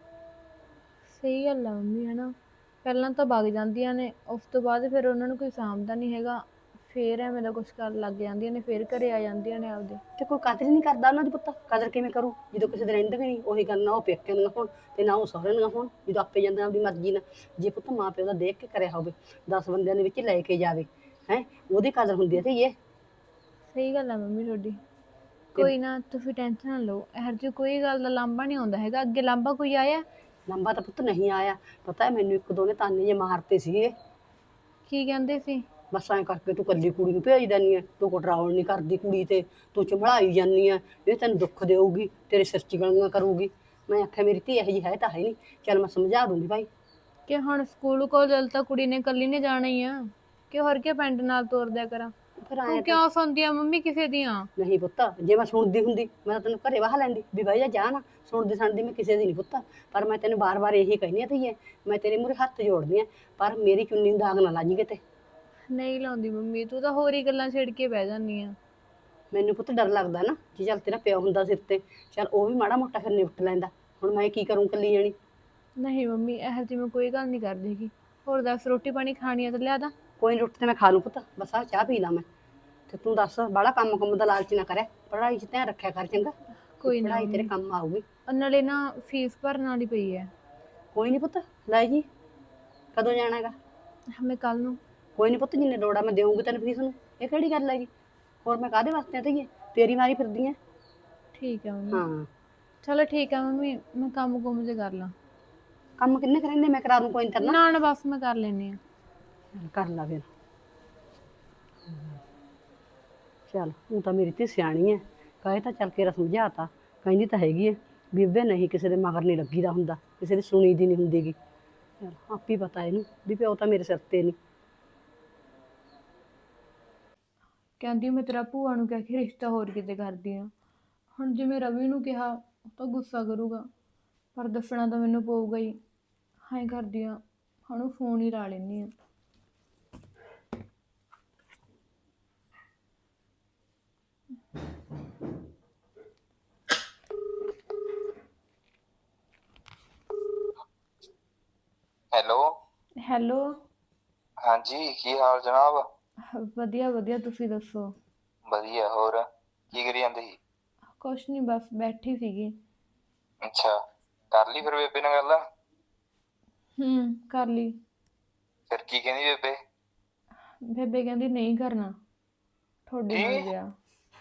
[SPEAKER 1] ਸਹੀ ਗੱਲ ਆ ਮੰਮੀ ਹਨਾ ਪਹਿਲਾਂ ਤਾਂ ਵਗ ਜਾਂਦੀਆਂ ਨੇ ਉਸ ਤੋਂ ਬਾਅਦ ਫਿਰ ਉਹਨਾਂ ਨੂੰ ਕੋਈ ਸਾਂਭਦਾ ਨਹੀਂ ਹੈਗਾ ਫਿਰ ਐਵੇਂ ਦਾ ਕੁਛ ਕਰਨ ਲੱਗ ਜਾਂਦੀਆਂ ਨੇ ਫਿਰ ਘਰੇ ਆ ਜਾਂਦੀਆਂ ਨੇ ਆਪਦੇ।
[SPEAKER 3] ਤੇ ਕੋਈ ਕਦਰ ਹੀ ਨਹੀਂ ਕਰਦਾ ਉਹਨਾਂ ਦੀ ਪੁੱਤ ਕਦਰ ਕਿਵੇਂ ਕਰੂ ਜਦੋਂ ਕਿਸੇ ਦੇ ਰਹਿੰਦੇ ਵੀ ਨਹੀਂ ਉਹੀ ਗੱਲ ਨਾ ਉਹ ਪੇਕੇ ਦੀਆਂ ਹੋਣ ਤੇ ਨਾ ਉਹ ਸਹੁਰੇ ਦੀਆਂ ਹੋਣ ਜਦੋਂ ਆਪੇ ਜਾਂਦੇ ਆਪਦੀ ਮਰਜ਼ੀ ਨਾਲ। ਜੇ ਪੁੱਤ ਮਾਂ ਪਿਓ ਦਾ ਦੇਖ ਕੇ ਕਰਿਆ ਹੋਵੇ ਦਸ ਬੰਦਿਆਂ ਦੇ ਵਿੱਚ ਲੈ ਕੇ ਜਾਵੇ ਹੈ ਉਹਦੀ ਕਦਰ ਹੁੰਦੀ ਹੈ ਤੇ ਇਹ।
[SPEAKER 1] ਸਹੀ ਗੱਲ ਆ ਮੰਮੀ ਤੁਹਾਡੀ। ਕੋਈ ਨਾ ਤੁਸੀਂ ਟੈਨਸ਼ਨ ਨਾ ਲਓ ਇਹੋ ਜਿਹੀ ਕੋਈ ਗੱਲ ਦਾ ਲਾਂਭਾ ਨਹੀਂ ਆਉਂਦਾ ਹੈਗਾ। ਅੱਗੇ ਲਾਂਭਾ ਕੋਈ ਆਇਆ?
[SPEAKER 3] ਲੰਬਾ ਤਾਂ ਪੁੱਤ ਨਹੀਂ ਆਇਆ ਪਤਾ ਮੈਨੂੰ ਇੱਕ ਦੋ ਨੇ ਤਾਨੇ ਜੇ ਮਾਰਤੇ ਸੀਗੇ।
[SPEAKER 1] ਕੀ ਕਹਿੰਦੇ ਸੀ?
[SPEAKER 3] ਬਸ ਐਂ ਕਰਕੇ ਤੂੰ ਕੱਲੀ ਕੁੜੀ ਨੂੰ ਭੇਜ ਦਿੰਦੀ ਐ ਤੂੰ ਕੰਟਰੋਲ ਨਹੀਂ ਕਰਦੀ ਕੁੜੀ ਤੇ ਤੂੰ ਚੰਬੜਾਈ ਜਾਂਦੀ ਐ ਇਹ ਤੈਨੂੰ ਦੁੱਖ ਦੇਊਗੀ ਤੇਰੇ ਸਿਰ 'ਚ ਗਲੀਆਂ ਕਰੂਗੀ। ਮੈਂ ਆਖਿਆ ਮੇਰੀ ਧੀ ਇਹੋ ਜਿਹੀ ਹੈ ਤਾਂ ਹੈ ਨਹੀਂ ਚੱਲ ਮੈਂ ਸਮਝਾ ਦੂੰਗੀ ਭਾਈ।
[SPEAKER 1] ਕਿ ਹੁਣ ਸਕੂਲ ਕੋਲ ਤਾਂ ਕੁੜੀ ਨੇ ਇਕੱਲੀ ਨੇ ਜਾਣਾ ਹੀ ਆ ਕਿ ਹੋਰ ਕੇ ਪਿੰਡ ਨਾਲ ਤੋਰ ਦਿਆ ਕਰਾਂ।
[SPEAKER 3] ਫਿਰ
[SPEAKER 1] ਤੂੰ
[SPEAKER 3] ਐਂ
[SPEAKER 1] ਕਿਉਂ ਸੁਣਦੀ ਆ ਮੰਮੀ ਕਿਸੇ ਦੀਆਂ?
[SPEAKER 3] ਨਹੀਂ ਪੁੱਤ ਜੇ ਮੈਂ ਸੁਣਦੀ ਹੁੰਦੀ ਮੈਂ ਤਾਂ ਤੈਨੂੰ ਘਰੇ ਵਾਹ ਲੈਂਦੀ ਵੀ ਬਾਈ ਜਾ ਨਾ ਸੁਣਦੀ ਸੁਣਦੀ ਮੈਂ ਕਿਸੇ ਦੀ ਨਹੀਂ ਪੁੱਤ। ਪਰ ਮੈਂ ਤੈਨੂੰ ਬਾਰ-ਬਾਰ ਇਹੀ ਕਹਿੰਦੀ ਆ ਧੀਏ ਮੈਂ ਤੇਰੇ ਮੂਹਰੇ ਹੱਥ ਜੋੜਦੀ ਆ ਪਰ ਮੇਰੀ ਚੁੰਨੀ ਨੂੰ ਦਾਗ ਨਾ ਲਾਜੀ ਕਿਤੇ।
[SPEAKER 1] ਨਹੀਂ ਲਾਉਂਦੀ ਮੰਮੀ ਤੂੰ ਤਾਂ ਹੋਰ ਹੀ ਗੱਲਾਂ ਛੇੜ ਕੇ ਬਹਿ ਜਾਂਦੀ ਆ।
[SPEAKER 3] ਮੈਨੂੰ ਪੁੱਤ ਡਰ ਲੱਗਦਾ ਨਾ ਜੇ ਚੱਲ ਤੇਰਾ ਪਿਓ ਹੁੰਦਾ ਸਿਰ ਤੇ ਚੱਲ ਉਹ ਵੀ ਮਾੜਾ ਮੋਟਾ ਫਿਰ ਨਿਪਟ ਲੈਂਦਾ ਹੁਣ ਮੈਂ ਕੀ ਕਰੂੰ ਇਕੱਲੀ ਜਾਣੀ।
[SPEAKER 1] ਨਹੀਂ ਮੰਮੀ ਇਹੋ ਜਿਹੀ ਮੈਂ ਕੋਈ ਗੱਲ ਨਹੀਂ ਕਰਦੀ ਹੈਗੀ। ਹੋਰ ਦੱਸ ਰੋਟੀ ਪਾਣੀ ਖਾਣੀ ਆ ਤਾਂ ਲਿਆ ਦਾਂ?
[SPEAKER 3] ਕੋਈ ਨੀ ਰੋਟੀ ਤੇ ਮੈਂ ਖਾ ਲੂੰ ਪੁੱਤ ਬਸ ਆਹ ਚਾਹ ਪੀ ਲਾਂ ਮੈਂ ਤੇ ਤੂੰ ਦੱਸ ਬਾਹਲਾ ਕੰਮ ਕੰਮ ਦਾ ਲਾਲਚ ਨਾ ਕਰਿਆ ਪੜ੍ਹਾਈ 'ਚ ਧਿਆਨ ਰੱਖਿਆ ਕਰ ਚੰਗਾ।
[SPEAKER 1] ਕੋਈ ਨਾ
[SPEAKER 3] ਪੜ੍ਹਾਈ ਤੇਰੇ ਕੰਮ ਆਊਗੀ।
[SPEAKER 1] ਨਾਲੇ ਨਾ ਫੀਸ ਭਰਨ ਵਾਲੀ ਪਈ ਹੈ।
[SPEAKER 3] ਕੋਈ ਨਹੀਂ ਪੁੱਤ ਲੈ ਜੀ ਕਦੋਂ ਜਾਣਾ ਹੈਗਾ?
[SPEAKER 1] ਮੈਂ ਕੱਲ ਨੂੰ।
[SPEAKER 3] ਕੋਈ ਨਹੀਂ ਪੁੱਤ ਜਿੰਨੇ ਲੋੜ ਆ ਮੈਂ ਦੇਵਾਂਗੀ ਤੈਨੂੰ ਫੀਸ ਨੂੰ ਇਹ ਕਿਹੜੀ ਗੱਲ ਹੈਗੀ ਹੋਰ ਮੈਂ ਕਾਹਦੇ ਵਾਸਤੇ ਧੀਏ ਤੇਰੀ ਮਾਰੀ ਫਿਰਦੀ ਐ।
[SPEAKER 1] ਠੀਕ ਹੈ ਮੰਮੀ।
[SPEAKER 3] ਹਾਂ
[SPEAKER 1] ਚਲੋ ਠੀਕ ਹੈ ਮੰਮੀ ਮੈਂ ਕੰਮ ਕੁੰਮ ਜੇ ਕਰ ਲਾਂ।
[SPEAKER 3] ਕੰਮ ਕਿੰਨੇ ਕਰਾਂਦੇ ਮੈਂ ਕਰਾ ਦੂੰ ਕੋਈ ਨੀ ਤੇਰੇ ਨਾਲ।
[SPEAKER 1] ਨਾ ਨਾ ਬਸ ਮੈਂ ਕਰ ਲੈਂਦੀ ਆ।
[SPEAKER 3] ਚੱਲ ਕਰ ਲਾ ਫਿਰ ਚੱਲ ਹੁਣ ਤਾਂ ਮੇਰੀ ਧੀ ਸਿਆਣੀ ਐ ਕਹੇ ਤਾਂ ਚੱਲ ਕੇ ਸਮਝਾਤਾ ਕਹਿੰਦੀ ਤਾਂ ਹੈਗੀ ਐ ਬੀਬੇ ਨਹੀਂ ਕਿਸੇ ਦੇ ਮਗਰ ਨਹੀਂ ਲੱਗੀਦਾ ਹੁੰਦਾ ਕਿਸੇ ਦੀ ਸੁਣੀ ਦੀ ਨਹੀਂ ਹੁੰਦੀਗੀ। ਚੱਲ ਆਪੇ ਪਤਾ ਇਹਨੂੰ ਵੀ ਪਿਓ ਤਾਂ ਮੇਰੇ ਸਿਰ ਤੇ ਨਹੀਂ।
[SPEAKER 1] ਕਹਿੰਦੀ ਮੈਂ ਤੇਰਾ ਭੂਆ ਨੂੰ ਕਹਿ ਕੇ ਰਿਸ਼ਤਾ ਹੋਰ ਕਿਤੇ ਕਰਦੀ ਆ। ਹੁਣ ਜਿਵੇਂ ਰਵੀ ਨੂੰ ਕਿਹਾ ਉਹ ਤਾਂ ਗੁੱਸਾ ਕਰੂਗਾ ਪਰ ਦੱਸਣਾ ਤਾਂ ਮੈਨੂੰ ਪਊਗਾ ਹੀ। ਹਾਂ ਕਰਦੀ ਆ ਹੁਣ ਉਹ ਫੋਨ ਹੀ ਲਾ ਲੈਂਦੀ ਆ।
[SPEAKER 2] ਹੈਲੋ।
[SPEAKER 1] ਹੈਲੋ।
[SPEAKER 2] ਹਾਂਜੀ ਕੀ ਹਾਲ ਜਨਾਬ?
[SPEAKER 1] ਵਧੀਆ ਵਧੀਆ ਤੁਸੀਂ ਦੱਸੋ?
[SPEAKER 2] ਵਧੀਆ ਹੋਰ ਕੀ ਕਰੀ ਜਾਂਦੇ ਸੀ?
[SPEAKER 1] ਕੁਛ ਨਹੀਂ ਬਸ ਬੈਠੀ ਸੀਗੀ।
[SPEAKER 2] ਅੱਛਾ ਕਰ ਲਈ ਫਿਰ ਬੇਬੇ ਨਾਲ ਗੱਲ?
[SPEAKER 1] ਹੂੰ ਕਰ ਲਈ।
[SPEAKER 2] ਫਿਰ ਕੀ ਕਹਿੰਦੀ ਬੇਬੇ?
[SPEAKER 1] ਬੇਬੇ ਕਹਿੰਦੀ ਨਹੀਂ ਕਰਨਾ ਤੁਹਾਡੇ ਨਾਲ ਵਿਆਹ।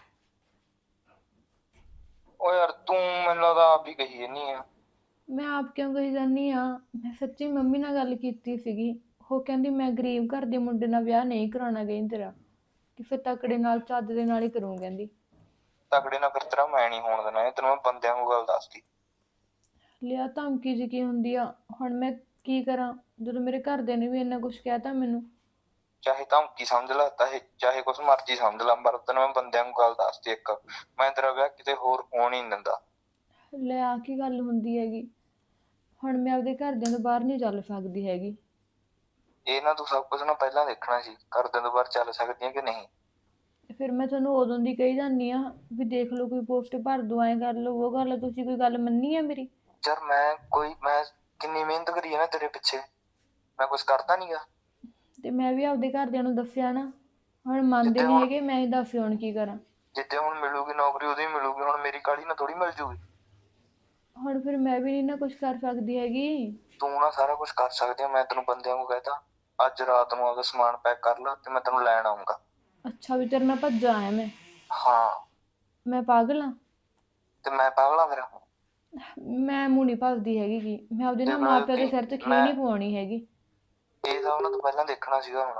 [SPEAKER 2] ਓ ਯਾਰ ਤੂੰ ਮੈਨੂੰ ਲੱਗਦਾ ਆਪ ਹੀ ਕਹੀ ਜਾਨੀ ਆ।
[SPEAKER 1] ਮੈਂ ਆਪ ਕਿਉਂ ਕਹੀ ਜਾਂਦੀ ਆ ਮੈਂ ਸੱਚੀ ਮੰਮੀ ਨਾਲ ਗੱਲ ਕੀਤੀ ਸੀਗੀ ਉਹ ਕਹਿੰਦੀ ਮੈਂ ਗਰੀਬ ਘਰ ਦੇ ਮੁੰਡੇ ਨਾਲ ਵਿਆਹ ਨਹੀਂ ਕਰਾਉਣਾ ਗਈ ਤੇਰਾ ਕਿਸੇ ਤਕੜੇ ਨਾਲ ਚੱਜ ਦੇ ਨਾਲ ਹੀ ਕਰੂੰ ਕਹਿੰਦੀ।
[SPEAKER 2] ਤਕੜੇ ਨਾਲ ਫਿਰ ਤੇਰਾ ਮੈਂ ਨਹੀਂ ਹੋਣ ਦੇਣਾ ਤੈਨੂੰ ਮੈਂ ਬੰਦਿਆਂ ਨੂੰ ਗੱਲ ਦੱਸਦੀ।
[SPEAKER 1] ਲਿਆ ਧਮਕੀ ਜੀ ਕੀ ਹੁੰਦੀ ਆ ਹੁਣ ਮੈਂ ਕੀ ਕਰਾਂ ਜਦੋਂ ਮੇਰੇ ਘਰਦਿਆਂ ਨੇ ਵੀ ਇੰਨਾ ਕੁਝ ਕਹਿਤਾ ਮੈਨੂੰ।
[SPEAKER 2] ਚਾਹੇ ਧਮਕੀ ਸਮਝ ਲਾ ਚਾਹੇ ਚਾਹੇ ਕੁਛ ਮਰਜ਼ੀ ਸਮਝ ਲਾ, ਪਰ ਤੈਨੂੰ ਮੈਂ ਬੰਦਿਆਂ ਨੂੰ ਗੱਲ ਦੱਸਦੀ ਇੱਕ, ਮੈਂ ਤੇਰਾ ਵਿਆਹ ਕਿਤੇ ਹੋਰ ਹੋਣ ਹੀ ਨਹੀਂ ਦਿੰਦਾ।
[SPEAKER 1] ਲੈ ਆ ਕੀ ਗੱਲ ਹੁੰਦੀ ਹੈਗੀ, ਹੁਣ ਮੈਂ ਆਪਦੇ ਘਰਦਿਆਂ ਤੋਂ ਬਾਹਰ ਨਹੀਂ ਚੱਲ ਸਕਦੀ ਹੈਗੀ।
[SPEAKER 2] ਇਹ ਨਾ ਤੂੰ ਸਭ ਕੁਝ ਨਾ ਪਹਿਲਾਂ ਦੇਖਣਾ ਸੀ, ਘਰਦਿਆਂ ਤੋਂ ਬਾਹਰ ਚੱਲ ਸਕਦੀ ਹੈ ਕਿ ਨਹੀਂ।
[SPEAKER 1] ਫਿਰ ਮੈਂ ਤੁਹਾਨੂੰ ਉਦੋਂ ਦੀ ਕਹੀ ਜਾਂਦੀ ਆ ਵੀ ਦੇਖ ਲਓ ਕੋਈ ਪੋਸਟ ਭਰ ਦੋ, ਐਂ ਕਰ ਲਓ ਉਹ ਕਰ ਲਓ, ਤੁਸੀਂ ਕੋਈ ਗੱਲ ਮੰਨੀ ਹੈ ਮੇਰੀ?
[SPEAKER 2] ਯਾਰ ਮੈਂ ਕੋਈ ਮੈਂ ਕਿੰਨੀ ਮਿਹਨਤ ਕਰੀ ਹੈ ਨਾ ਤੇਰੇ ਪਿੱਛੇ, ਮੈਂ ਕੁਝ ਕਰਦਾ ਨਹੀਂਗਾ।
[SPEAKER 1] ਤੇ ਮੈਂ ਵੀ ਆਪਦੇ ਘਰਦਿਆਂ ਨੂੰ ਦੱਸਿਆ ਨਾ, ਹੁਣ ਮੰਨਦੇ
[SPEAKER 2] ਜਿੱਦਾਂ
[SPEAKER 1] ਨਹੀਂ
[SPEAKER 2] ਹੁਣ
[SPEAKER 1] ਹੈਗੇ, ਮੈਂ ਹੀ ਦੱਸ ਹੁਣ ਕੀ ਕਰਾਂ।
[SPEAKER 2] ਜਿੱਦੇ ਹੁਣ ਮਿਲੂਗੀ ਨੌਕਰੀ ਉਦੋਂ ਹੀ ਮਿਲੂਗੀ, ਹੁਣ ਮੇਰੀ ਕਾਹਲੀ ਨਾਲ ਥੋੜੀ ਮਿਲ ਜੂਗੀ।
[SPEAKER 1] ਹੁਣ ਫਿਰ ਮੈਂ ਵੀ ਨਹੀਂ ਨਾ ਕੁਝ ਕਰ ਸਕਦੀ ਹੈਗੀ।
[SPEAKER 2] ਤੂੰ ਨਾ ਸਾਰਾ ਕੁਝ ਕਰ ਸਕਦੀ ਆ, ਮੈਂ ਤੈਨੂੰ ਬੰਦਿਆਂ ਨੂੰ ਕਹਿਤਾ ਅੱਜ ਰਾਤ ਨੂੰ ਆਪਦਾ ਸਮਾਨ ਪੈਕ ਕਰ ਲਾ ਤੇ ਮੈਂ ਤੈਨੂੰ ਲੈਣ ਆਉਂਗਾ।
[SPEAKER 1] ਅੱਛਾ ਵੀ ਤੇਰੇ ਨਾਲ ਭੱਜਾ ਆਇਆ ਮੈਂ?
[SPEAKER 2] ਹਾਂ।
[SPEAKER 1] ਮੈਂ ਪਾਗਲ ਆ?
[SPEAKER 2] ਤੇ ਮੈਂ ਪਾਗਲ ਆ ਫਿਰ?
[SPEAKER 1] ਮੈਂ ਮੂੰਹ ਨਹੀਂ ਭੱਜਦੀ ਹੈਗੀ ਗੀ, ਮੈਂ ਆਪਦੇ
[SPEAKER 2] ਤੇ
[SPEAKER 1] ਨਾ
[SPEAKER 2] ਮਤਲਬ
[SPEAKER 1] ਮਾਪਿਆਂ ਦੇ
[SPEAKER 2] ਕਿ
[SPEAKER 1] ਸਿਰ 'ਚ ਖੀ
[SPEAKER 2] ਮੈਂ
[SPEAKER 1] ਨਹੀਂ ਪਵਾਉਣੀ ਹੈਗੀ।
[SPEAKER 2] ਇਹ ਤਾਂ ਉਹਨਾਂ ਤੋਂ ਪਹਿਲਾਂ ਦੇਖਣਾ ਸੀਗਾ ਹੁਣ,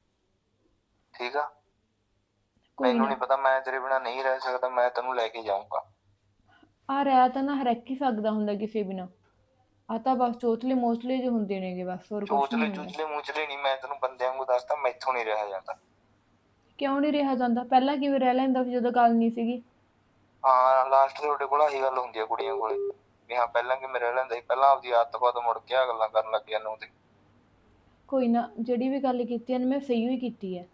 [SPEAKER 2] ਠੀਕ ਆ?
[SPEAKER 1] ਕੋਈ
[SPEAKER 2] ਮੈਨੂੰ
[SPEAKER 1] ਨਾ,
[SPEAKER 2] ਨਹੀਂ ਪਤਾ, ਮੈਂ ਤੇਰੇ ਬਿਨਾਂ ਨਹੀਂ ਰਹਿ ਸਕਦਾ, ਮੈਂ ਤੈਨੂੰ ਲੈ ਕੇ ਜਾਊਂਗਾ।
[SPEAKER 1] ਆ ਰਹਿ ਤਾਂ ਨਾ ਹਰ ਇੱਕ ਹੀ ਸਕਦਾ ਹੁੰਦਾ ਕਿਸੇ ਬਿਨਾਂ, ਆ ਤਾਂ ਬਸ ਚੋਚਲੇ ਮੋਚਲੇ ਜਿਹੇ ਹੁੰਦੇ ਨੇਗੇ ਬਸ, ਹੋਰ ਕੁਝ
[SPEAKER 2] ਚੋਚਲੇ
[SPEAKER 1] ਨਹੀਂ ਹੁੰਦਾ।
[SPEAKER 2] ਚੂਚਲੇ ਮੂਚਲੇ ਨਹੀਂ, ਮੈਂ ਤੈਨੂੰ ਬੰਦਿਆਂ ਨੂੰ ਦੱਸਦਾ ਮੈਥੋਂ ਨਹੀਂ ਰਿਹਾ ਜਾਂਦਾ।
[SPEAKER 1] ਕਿਉਂ ਨਹੀਂ ਰਿਹਾ ਜਾਂਦਾ? ਪਹਿਲਾਂ ਕਿਵੇਂ ਰਹਿ ਲੈਂਦਾ ਸੀ ਜਦੋਂ ਗੱਲ ਨਹੀਂ ਸੀਗੀ?
[SPEAKER 2] ਹਾਂ ਲਾਸਟ ਤੇ ਤੁਹਾਡੇ ਕੋਲ ਆਹੀ ਗੱਲ ਹੁੰਦੀ ਆ ਕੁੜੀਆਂ ਕੋਲੇ, ਵੀ ਹਾਂ ਪਹਿਲਾਂ ਕਿਵੇਂ ਰਹਿ ਲੈਂਦਾ ਸੀ, ਪਹਿਲਾਂ ਆਪਦੀ ਆਦਤ ਬਾਅਦ ਮੁੜ ਕੇ ਆ ਗੱਲਾਂ ਕਰਨ ਲੱਗ ਗਿਆ ਨੂੰ ਤੇ।
[SPEAKER 1] ਕੋਈ ਨਾ, ਜਿਹੜੀ ਵੀ ਗੱਲ ਕੀਤੀ ਹੈ ਨਾ ਮੈਂ ਸਹੀ ਹੀ ਕੀਤੀ ਹੈ।